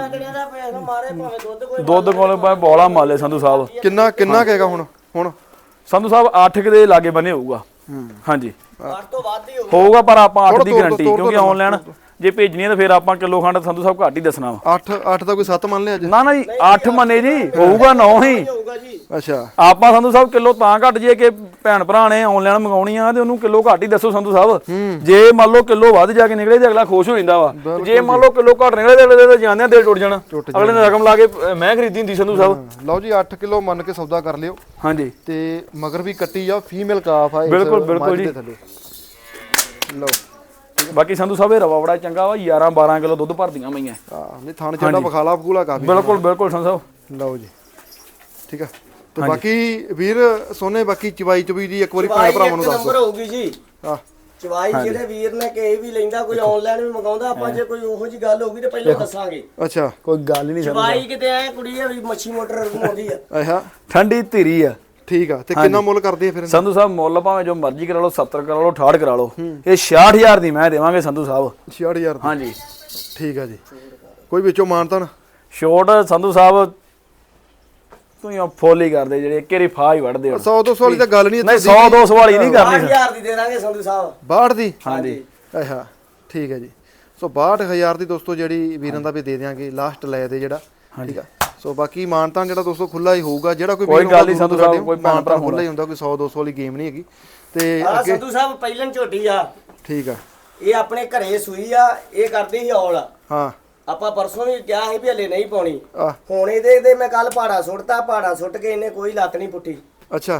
Speaker 2: ਦੁੱਧ ਕੋਲ ਬੋਲਾ ਮਾਲੇ ਸੰਧੂ ਸਾਹਿਬ
Speaker 1: ਕਿੰਨਾ ਕਹੇਗਾ ਹੁਣ
Speaker 2: ਸੰਧੂ ਸਾਹਿਬ 8 ਦੇ ਲਾਗੇ ਬਨੇ ਹੋਊਗਾ ਹਾਂਜੀ
Speaker 3: 8 ਤੋਂ ਵੱਧ ਹੀ
Speaker 2: ਹੋਊਗਾ ਪਰ ਆਪਾਂ 8 ਦੀ ਗਾਰੰਟੀ ਕਿਉਂਕਿ ਆਨਲਾਈਨ ਜੇ ਭੇਜਣੀ ਹੈ ਤਾਂ ਫਿਰ ਆਪਾਂ ਕਿਲੋ ਖੰਡ ਸੰਧੂ ਸਾਹਿਬ ਘੱਟ ਹੀ ਦੱਸਣਾ ਵਾ
Speaker 1: 8 ਦਾ ਕੋਈ 7 ਮੰਨ ਲਿਆ ਅੱਜ
Speaker 2: ਨਾ ਜੀ 8 ਮੰਨੇ ਜੀ ਹੋਊਗਾ 9 ਹੀ
Speaker 3: ਹੋਊਗਾ ਜੀ
Speaker 1: ਅੱਛਾ
Speaker 2: ਆਪਾਂ ਸੰਧੂ ਸਾਹਿਬ ਕਿਲੋ ਤਾਂ ਘੱਟ ਜੇ ਕਿ ਭੈਣ ਭਰਾ ਨੇ ਆਨਲਾਈਨ ਮੰਗਾਉਣੀ ਆ ਤੇ ਉਹਨੂੰ ਕਿਲੋ ਘੱਟ ਹੀ ਦੱਸੋ ਸੰਧੂ ਸਾਹਿਬ ਜੇ ਮੰਨ ਲਓ ਕਿਲੋ ਵੱਧ ਜਾ ਕੇ ਨਿਕਲੇ ਤੇ ਅਗਲਾ ਖੁਸ਼ ਹੋ ਜਾਂਦਾ ਵਾ ਜੇ ਮੰਨ ਲਓ ਕਿਲੋ ਘੱਟ ਨਿਕਲੇ ਤੇ ਅਗਲੇ ਦੇ ਜਾਂਦੇ ਦਿਲ ਟੁੱਟ ਜਾਣਾ ਅਗਲੇ ਨੇ ਰਕਮ ਲਾ ਕੇ ਮੈਂ ਖਰੀਦੀ ਹੁੰਦੀ ਸੰਧੂ ਸਾਹਿਬ
Speaker 1: ਲਓ ਜੀ 8 ਕਿਲੋ ਮੰਨ ਕੇ ਸੌਦਾ ਕਰ ਲਿਓ
Speaker 2: ਹਾਂਜੀ
Speaker 1: ਤੇ ਮਗਰ ਵੀ ਕੱਟੀ ਆ ਫੀਮੇਲ ਕਾਫ ਆ
Speaker 2: ਬਿਲਕੁਲ ਜੀ
Speaker 1: ਲਓ
Speaker 2: ਬਾਕੀ ਸੰਧੂ ਸਾਹਿਬ ਇਹ ਰਵਾ ਬੜਾ ਚੰਗਾ ਵਾ 11 12 ਕਿਲੋ ਦੁੱਧ ਭਰਦੀਆਂ ਮਈਆਂ
Speaker 1: ਨਹੀਂ ਥਣ ਚੰਡਾ ਬਖਾਲਾ ਬਖੂਲਾ ਕਾਫੀ
Speaker 2: ਬਿਲਕੁਲ ਸੰਧੂ ਸਾਹਿਬ
Speaker 1: ਲਓ ਜੀ ਠੀਕ ਆ ਤੇ ਬਾਕੀ ਵੀਰ ਸੋਨੇ ਬਾਕੀ ਚਵਾਈ ਚੁਬੀ ਦੀ ਇੱਕ ਵਾਰੀ ਭੈਣ ਭਰਾਵਾਂ ਨੂੰ ਦੱਸ
Speaker 3: ਨੰਬਰ ਹੋਊਗੀ ਜੀ
Speaker 1: ਹਾਂ
Speaker 3: ਚਵਾਈ ਜਿਹੜੇ ਵੀਰ ਨੇ ਕਿਸੇ ਵੀ ਲੈਂਦਾ ਕੋਈ ਆਨਲਾਈਨ ਵੀ ਮੰਗਾਉਂਦਾ ਆਪਾਂ ਜੇ ਕੋਈ ਉਹੋ ਜੀ ਗੱਲ ਹੋਊਗੀ ਤੇ ਪਹਿਲਾਂ ਦੱਸਾਂਗੇ
Speaker 1: ਅੱਛਾ
Speaker 2: ਕੋਈ ਗੱਲ ਹੀ ਨਹੀਂ
Speaker 3: ਚਵਾਈ ਕਿਤੇ ਐ ਕੁੜੀ ਆ ਵੀ ਮੱਛੀ ਮੋਟਰ ਘੁਮਾਉਂਦੀ ਆ
Speaker 1: ਆਹਾ
Speaker 2: ਠੰਡੀ ਧੀਰੀ ਆ
Speaker 1: ਠੀਕ ਆ ਤੇ ਕਿੰਨਾ ਮੁੱਲ ਕਰਦੇ ਆ ਫਿਰ
Speaker 2: ਸੰਧੂ ਸਾਹਿਬ ਮੁੱਲ ਭਾਵੇਂ ਜੋ ਮਰਜ਼ੀ ਕਰਾ ਲਓ 70 ਕਰਾ ਲਓ 68 ਕਰਾ ਲਓ ਇਹ 66000 ਦੀ ਮੈਂ ਦੇਵਾਂਗੇ ਸੰਧੂ ਸਾਹਿਬ
Speaker 1: 66000
Speaker 2: ਹਾਂਜੀ
Speaker 1: ਠੀਕ ਆ ਜੀ ਕੋਈ ਵਿੱਚੋਂ ਮਾਨਤਾਨ
Speaker 2: ਛੋਟ ਸੰਧੂ ਸਾਹਿਬ ਤੁਸੀਂ ਫੁੱਲ ਹੀ ਕਰਦੇ ਜਿਹੜੇ ਕਿਹੜੀ ਫਾਹ ਹੀ ਵੜਦੇ ਹੋ
Speaker 1: 100 200 ਵਾਲੀ ਤਾਂ ਗੱਲ ਨਹੀਂ
Speaker 2: 100 200 ਵਾਲੀ ਨਹੀਂ ਕਰਨੀ
Speaker 3: 6000 ਦੀ ਦੇ ਦਾਂਗੇ ਸੰਧੂ ਸਾਹਿਬ
Speaker 1: 62 ਦੀ
Speaker 2: ਹਾਂਜੀ
Speaker 1: ਆਹਾ ਠੀਕ ਹੈ ਜੀ ਸੋ 62000 ਦੀ ਦੋਸਤੋ ਜਿਹੜੀ ਵੀਰਾਂ ਦਾ ਵੀ ਦੇ ਦਿਆਂਗੇ ਲਾਸਟ ਲੈ ਦੇ ਜਿਹੜਾ ਠੀਕ ਆ ਸੋ ਬਾਕੀ ਮਾਨਤਾਨ ਜਿਹੜਾ ਦੋਸਤੋ ਖੁੱਲਾ ਹੀ ਹੋਊਗਾ ਜਿਹੜਾ ਕੋਈ
Speaker 2: ਗੱਲ ਨਹੀਂ ਸੰਧੂ ਸਾਹਿਬ ਕੋਈ
Speaker 1: ਮਾਨਤਾਨ ਖੁੱਲਾ ਹੀ ਹੁੰਦਾ ਕੋਈ 100 200 ਵਾਲੀ ਗੇਮ ਨਹੀਂ ਹੈਗੀ ਤੇ
Speaker 3: ਅੱਗੇ ਸੰਧੂ ਸਾਹਿਬ ਪਹਿਲਨ ਝੋਟੀ ਆ
Speaker 1: ਠੀਕ ਆ
Speaker 3: ਇਹ ਆਪਣੇ ਘਰੇ ਸੂਈ ਆ ਇਹ ਕਰਦੀ ਸੀ ਔਲ
Speaker 1: ਹਾਂ
Speaker 3: ਆਪਾਂ ਪਰਸੋਂ ਵੀ ਕਿਹਾ ਸੀ ਵੀ ਹਲੇ ਨਹੀਂ ਪਾਉਣੀ
Speaker 1: ਆ
Speaker 3: ਹੁਣ ਇਹਦੇ ਮੈਂ ਕੱਲ ਪਹਾੜਾ ਸੁੱਟਤਾ ਪਹਾੜਾ ਸੁੱਟ ਕੇ ਇਹਨੇ ਕੋਈ ਲੱਤ ਨਹੀਂ ਪੁੱਟੀ
Speaker 1: ਅੱਛਾ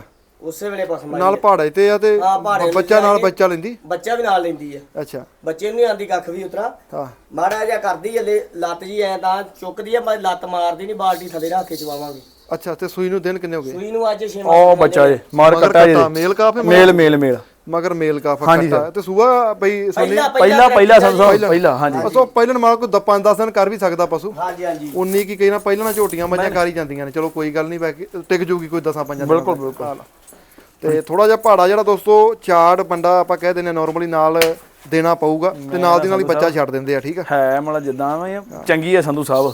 Speaker 3: ਉਸੇ ਵੇਲੇ ਪਸਮ ਆਈ
Speaker 1: ਨਾਲ ਪਹਾੜੇ ਤੇ ਆ ਤੇ
Speaker 3: ਹਾਂ, ਪਹਾੜੇ
Speaker 1: ਬੱਚਾ ਨਾਲ
Speaker 3: ਲੈ ਕੇ।
Speaker 1: ਬੱਚਾ ਲੈਂਦੀ
Speaker 3: ਬੱਚਾ ਵੀ ਨਾਲ ਲੈਂਦੀ ਆ
Speaker 1: ਅੱਛਾ
Speaker 3: ਬੱਚੇ ਨੂੰ ਨਹੀਂ ਆਂਦੀ ਕੱਖ ਵੀ ਉਤਰਾ
Speaker 1: ਹਾਂ
Speaker 3: ਮਾੜਾ ਜਿਹਾ ਕਰਦੀ ਹਲੇ ਲੱਤ ਜੀ ਐ ਤਾਂ ਚੁੱਕਦੀ ਆ ਮੈਂ ਲੱਤ ਮਾਰਦੀ ਨਹੀਂ ਬਾਲਟੀ ਥੱਲੇ ਰੱਖ ਕੇ ਚਵਾਵਾਂਗੇ
Speaker 1: ਅੱਛਾ ਤੇ ਸੂਈ ਨੂੰ ਦਿਨ ਕਿੰਨੇ ਹੋ ਗਏ
Speaker 3: ਸੂਈ ਨੂੰ ਅੱਜ 6
Speaker 2: ਉਹ ਬੱਚਾ ਜੇ ਮਾਰ
Speaker 1: ਮਗਰ
Speaker 2: ਕੱਟਾ ਜੇ
Speaker 1: ਕੱਟਾ ਮੇਲ ਕਾਫ ਹੈ
Speaker 2: ਮੇਲ
Speaker 1: ਮਗਰ ਮੇਲ ਕਾਫ
Speaker 2: ਹਾਂਜੀ
Speaker 1: ਕੱਟਾ ਤੇ ਸੂਆ ਬਈ ਸੋਨੀ
Speaker 2: ਪਹਿਲਾ ਸੰਧੂ ਸਾਹਿਬ ਪਹਿਲਾ ਹਾਂਜੀ
Speaker 1: ਅਸੋ ਪਹਿਲਾਂ ਮਾਲ ਕੋਈ 5-10 ਦਿਨ ਕਰ ਵੀ ਸਕਦਾ ਪਸ਼ੂ
Speaker 3: ਹਾਂਜੀ ਹਾਂਜੀ
Speaker 1: 19 ਕੀ ਕਈ ਨਾ ਪਹਿਲਾਂ ਝੋਟੀਆਂ ਮੱਝਾਂ ਕਰ ਹੀ ਜਾਂਦੀਆਂ ਨੇ ਚਲੋ ਕੋਈ ਗੱਲ ਨਹੀਂ ਬਾਕੀ ਟਿਕ ਜੂਗੀ ਕੋਈ 10-5 ਦਿਨ
Speaker 2: ਬਿਲਕੁਲ ਬਿਲਕੁਲ
Speaker 1: ਤੇ ਥੋੜਾ ਜਿਹਾ ਪਹਾੜਾ ਜਿਹੜਾ ਦੋਸਤੋ ਚਾੜ ਬੰਦਾ ਆਪਾਂ ਕਹਿ ਦਿੰਦੇ ਨਾਰਮਲੀ ਨਾਲ ਦੇਣਾ ਪਊਗਾ ਤੇ ਨਾਲ ਦੀ ਨਾਲ ਹੀ ਬੱਚਾ ਛੱਡ ਦਿੰਦੇ ਆ ਠੀਕ ਆ
Speaker 2: ਹੈ ਮਤਲਬ ਜਿੱਦਾਂ ਵੀ ਚੰਗੀ ਹੈ ਸੰਧੂ ਸਾਹਿਬ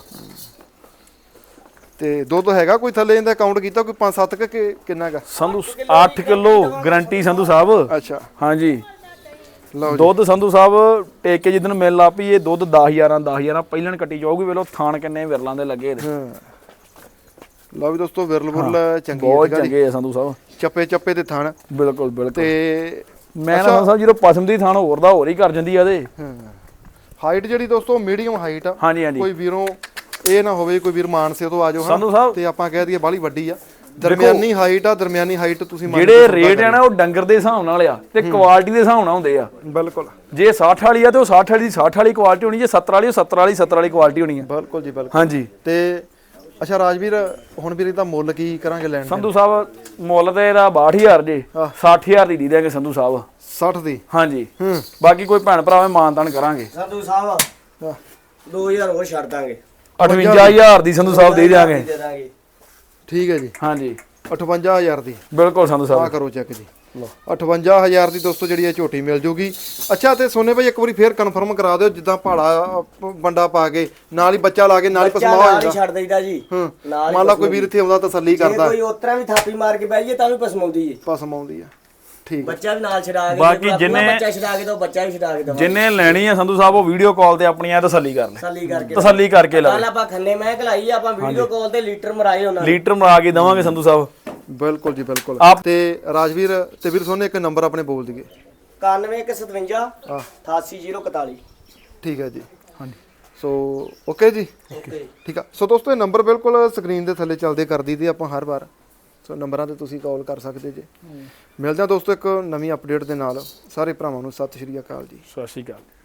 Speaker 1: ਤੇ ਦੁੱਧ ਹੈਗਾ ਕੋਈ ਥੱਲੇ ਇਹਦਾ ਕਾਊਂਟ ਕੀਤਾ ਕੋਈ 5-7 ਕਿ ਕਿੰਨਾ ਹੈਗਾ
Speaker 2: ਸੰਧੂ 8 ਕਿਲੋ ਗਰੰਟੀ ਸੰਧੂ ਸਾਹਿਬ
Speaker 1: ਅੱਛਾ
Speaker 2: ਹਾਂਜੀ
Speaker 1: ਲਓ ਜੀ
Speaker 2: ਦੁੱਧ ਸੰਧੂ ਸਾਹਿਬ ਟੇਕ ਕੇ ਜਿੱਦਣ ਮਿਲ ਲਾ ਪਈ ਇਹ ਦੁੱਧ 10 11 ਪਹਿਲਣ ਕੱਟੀ ਜਾਊਗੀ ਵੇਲੋ ਥਾਣ ਕਿੰਨੇ ਵਿਰਲਾਂ ਦੇ ਲੱਗੇ ਇਹਦੇ
Speaker 1: ਹਾਂ ਲਓ ਵੀ ਦੋਸਤੋ ਵਿਰਲ ਬੁਰਲ ਚੰਗੀ
Speaker 2: ਬਹੁਤ ਚੰਗੇ ਆ ਸੰਧੂ ਸਾਹਿਬ
Speaker 1: ਚੱਪੇ ਤੇ ਥਣ
Speaker 2: ਬਿਲਕੁਲ ਬਿਲਕੁਲ
Speaker 1: ਤੇ
Speaker 2: ਮੈਂ ਨਾ ਸੰਧੂ ਸਾਹਿਬ ਜਦੋਂ ਪਸਮ ਦੀ ਥਾਣ ਹੋਰ ਦਾ ਹੋਰ ਹੀ ਕਰ ਜਾਂਦੀ ਆ ਇਹਦੇ
Speaker 1: ਹਾਈਟ ਜਿਹੜੀ ਦੋਸਤੋ ਮੀਡੀਅਮ ਹਾਈਟ ਆ
Speaker 2: ਹਾਂਜੀ ਹਾਂਜੀ
Speaker 1: ਕੋਈ ਵੀਰੋਂ ਇਹ ਨਾ ਹੋਵੇ ਕੋਈ ਵੀਰ ਮਾਨਸੇ ਤੋਂ ਆ ਜਾਓ
Speaker 2: ਸੰਧੂ ਸਾਹਿਬ
Speaker 1: ਤੇ ਆਪਾਂ ਕਹਿ ਦਈਏ ਬਾਹਲੀ ਵੱਡੀ ਆ ਦਰਮਿਆਨੀ ਹਾਈਟ ਤੁਸੀਂ ਮੰਨ
Speaker 2: ਜਿਹੜੇ ਰੇਟ ਆ ਨਾ ਉਹ ਡੰਗਰ ਦੇ ਹਿਸਾਬ ਨਾਲ ਆ ਤੇ ਕੁਆਲਿਟੀ ਦੇ ਹਿਸਾਬ ਨਾਲ ਹੁੰਦੇ ਆ
Speaker 1: ਬਿਲਕੁਲ
Speaker 2: ਜੇ 60 ਵਾਲੀ ਆ ਤੇ ਉਹ 60 ਵਾਲੀ ਦੀ 60 ਵਾਲੀ ਕੁਆਲਿਟੀ ਹੋਣੀ ਜੇ 70 ਵਾਲੀ ਉਹ 70 ਵਾਲੀ ਕੁਆਲਿਟੀ ਹੋਣੀ ਆ
Speaker 1: ਬਿਲਕੁਲ ਜੀ ਬਿਲਕੁਲ
Speaker 2: ਹਾਂਜੀ
Speaker 1: ਤੇ ਅੱਛਾ ਰਾਜਵੀਰ ਹੁਣ ਵੀਰ ਇਹਦਾ ਮੁੱਲ ਕੀ ਕਰਾਂਗੇ ਲੈਣ ਦਾ
Speaker 2: ਸੰਧੂ ਸਾਹਿਬ ਮੁੱਲ ਤੇ ਇਹਦਾ 62000 ਜੇ 60000 ਦੀ ਦੇ ਦਿਆਂਗੇ ਸੰਧੂ ਸਾਹਿਬ
Speaker 1: 60 ਦੀ
Speaker 2: ਹਾਂਜੀ ਬਾਕੀ ਕੋਈ ਭੈਣ ਭਰਾ ਮਾਨਤਾਨ ਕਰਾਂਗੇ
Speaker 3: ਸੰਧੂ ਸਾਹਿਬ 2000 ਹੋਰ ਛੱਡ ਦਾਂਗੇ
Speaker 2: 58000 ਦੀ ਸੰਧੂ ਸਾਹਿਬ ਦੇ ਦਿਆਂਗੇ
Speaker 3: ਦੇ ਦਾਂਗੇ
Speaker 1: ਠੀਕ ਹੈ ਜੀ
Speaker 2: ਹਾਂਜੀ
Speaker 1: 58000 ਦੀ
Speaker 2: ਬਿਲਕੁਲ ਸੰਧੂ
Speaker 1: ਆ
Speaker 2: ਸਾਹਿਬ
Speaker 1: ਕਰੋ ਚੈੱਕ ਜੀ 58000 ਦੀ ਦੋਸਤੋ ਜਿਹੜੀ ਇਹ ਝੋਟੀ ਮਿਲ ਜੂਗੀ ਅੱਛਾ ਤੇ ਸੋਨੇ ਭਾਈ ਇੱਕ ਵਾਰੀ ਫੇਰ ਕਨਫਰਮ ਕਰਾ ਦਿਓ ਜਿੱਦਾਂ ਪਹਾੜਾ ਬੰਡਾ ਪਾ ਕੇ ਨਾਲ ਹੀ ਬੱਚਾ ਲਾ ਕੇ ਨਾਲ ਹੀ ਪਸਮਾ ਹੋ
Speaker 3: ਨਾਲ ਹੀ
Speaker 1: ਜਾਂਦਾ
Speaker 3: ਛੱਡ ਦਈਦਾ ਜੀ ਨਾਲ
Speaker 1: ਮੰਨ ਲਾ ਕੋਈ ਵੀਰ ਇੱਥੇ ਆਉਂਦਾ ਤਸੱਲੀ
Speaker 3: ਜੇ
Speaker 1: ਕਰਦਾ
Speaker 3: ਕੋਈ ਉਤਰਾ ਵੀ ਥਾਪੀ ਮਾਰ ਕੇ ਬਹਿ ਜੇ ਤਾਂ ਵੀ ਪਸਮਾਉਂਦੀ ਏ
Speaker 1: ਪਸਮ ਆਉਂਦੀ ਆ ਠੀਕ
Speaker 3: ਬੱਚਾ ਵੀ ਨਾਲ ਛਡਾ ਕੇ
Speaker 2: ਬਾਕੀ
Speaker 3: ਜੇ
Speaker 2: ਜਿੰਨੇ-
Speaker 3: ਬੱਚਾ ਛਡਾ ਕੇ ਦੋ ਬੱਚਾ ਵੀ ਛਡਾ ਕੇ ਦੋ
Speaker 2: ਜਿੰਨੇ ਲੈਣੀ ਆ ਸੰਧੂ ਸਾਹਿਬ ਉਹ ਵੀਡੀਓ ਕਾਲ ਤੇ ਆਪਣੀ ਆ ਤਸੱਲੀ ਕਰ ਲੈ ਤਸੱਲੀ ਕਰਕੇ ਲੈ
Speaker 3: ਕੱਲ ਆਪਾਂ ਖੰਨੇ ਮੈਂ ਖਲਾਈ ਆਪਾਂ ਵੀਡੀਓ ਕਾਲ ਤੇ ਲੀਟਰ ਮਰਾਏ ਉਹਨਾਂ ਨੇ
Speaker 2: ਲੀਟਰ ਮਰਾ ਕੇ ਦਵਾਂਗੇ ਸੰਧੂ ਸਾਹਿਬ
Speaker 1: ਬਿਲਕੁਲ ਜੀ ਬਿਲਕੁਲ ਤੇ ਰਾਜਵੀਰ ਤੇ ਵੀਰ ਸੋਨੇ ਇੱਕ ਨੰਬਰ ਆਪਣੇ ਬੋਲ ਦਈਏ
Speaker 3: 9157 88041
Speaker 1: ਠੀਕ ਹੈ ਜੀ
Speaker 2: ਹਾਂਜੀ
Speaker 1: ਸੋ ਓਕੇ ਜੀ
Speaker 3: ਓਕੇ
Speaker 1: ਠੀਕ ਆ ਸੋ ਦੋਸਤੋ ਇਹ ਨੰਬਰ ਬਿਲਕੁਲ ਸਕਰੀਨ ਦੇ ਥੱਲੇ ਚੱਲਦੇ ਕਰ ਦਈਦੇ ਆਪਾਂ ਹਰ ਵਾਰ ਸੋ ਨੰਬਰਾਂ ਤੇ ਤੁਸੀਂ ਕਾਲ ਕਰ ਸਕਦੇ ਜੇ ਮਿਲਦੇ ਹਾਂ ਦੋਸਤੋ ਇੱਕ ਨਵੀਂ ਅਪਡੇਟ ਦੇ ਨਾਲ ਸਾਰੇ ਭਰਾਵਾਂ ਨੂੰ ਸਤਿ ਸ਼੍ਰੀ ਅਕਾਲ ਜੀ
Speaker 2: ਸਤਿ ਸ਼੍ਰੀ ਅਕਾਲ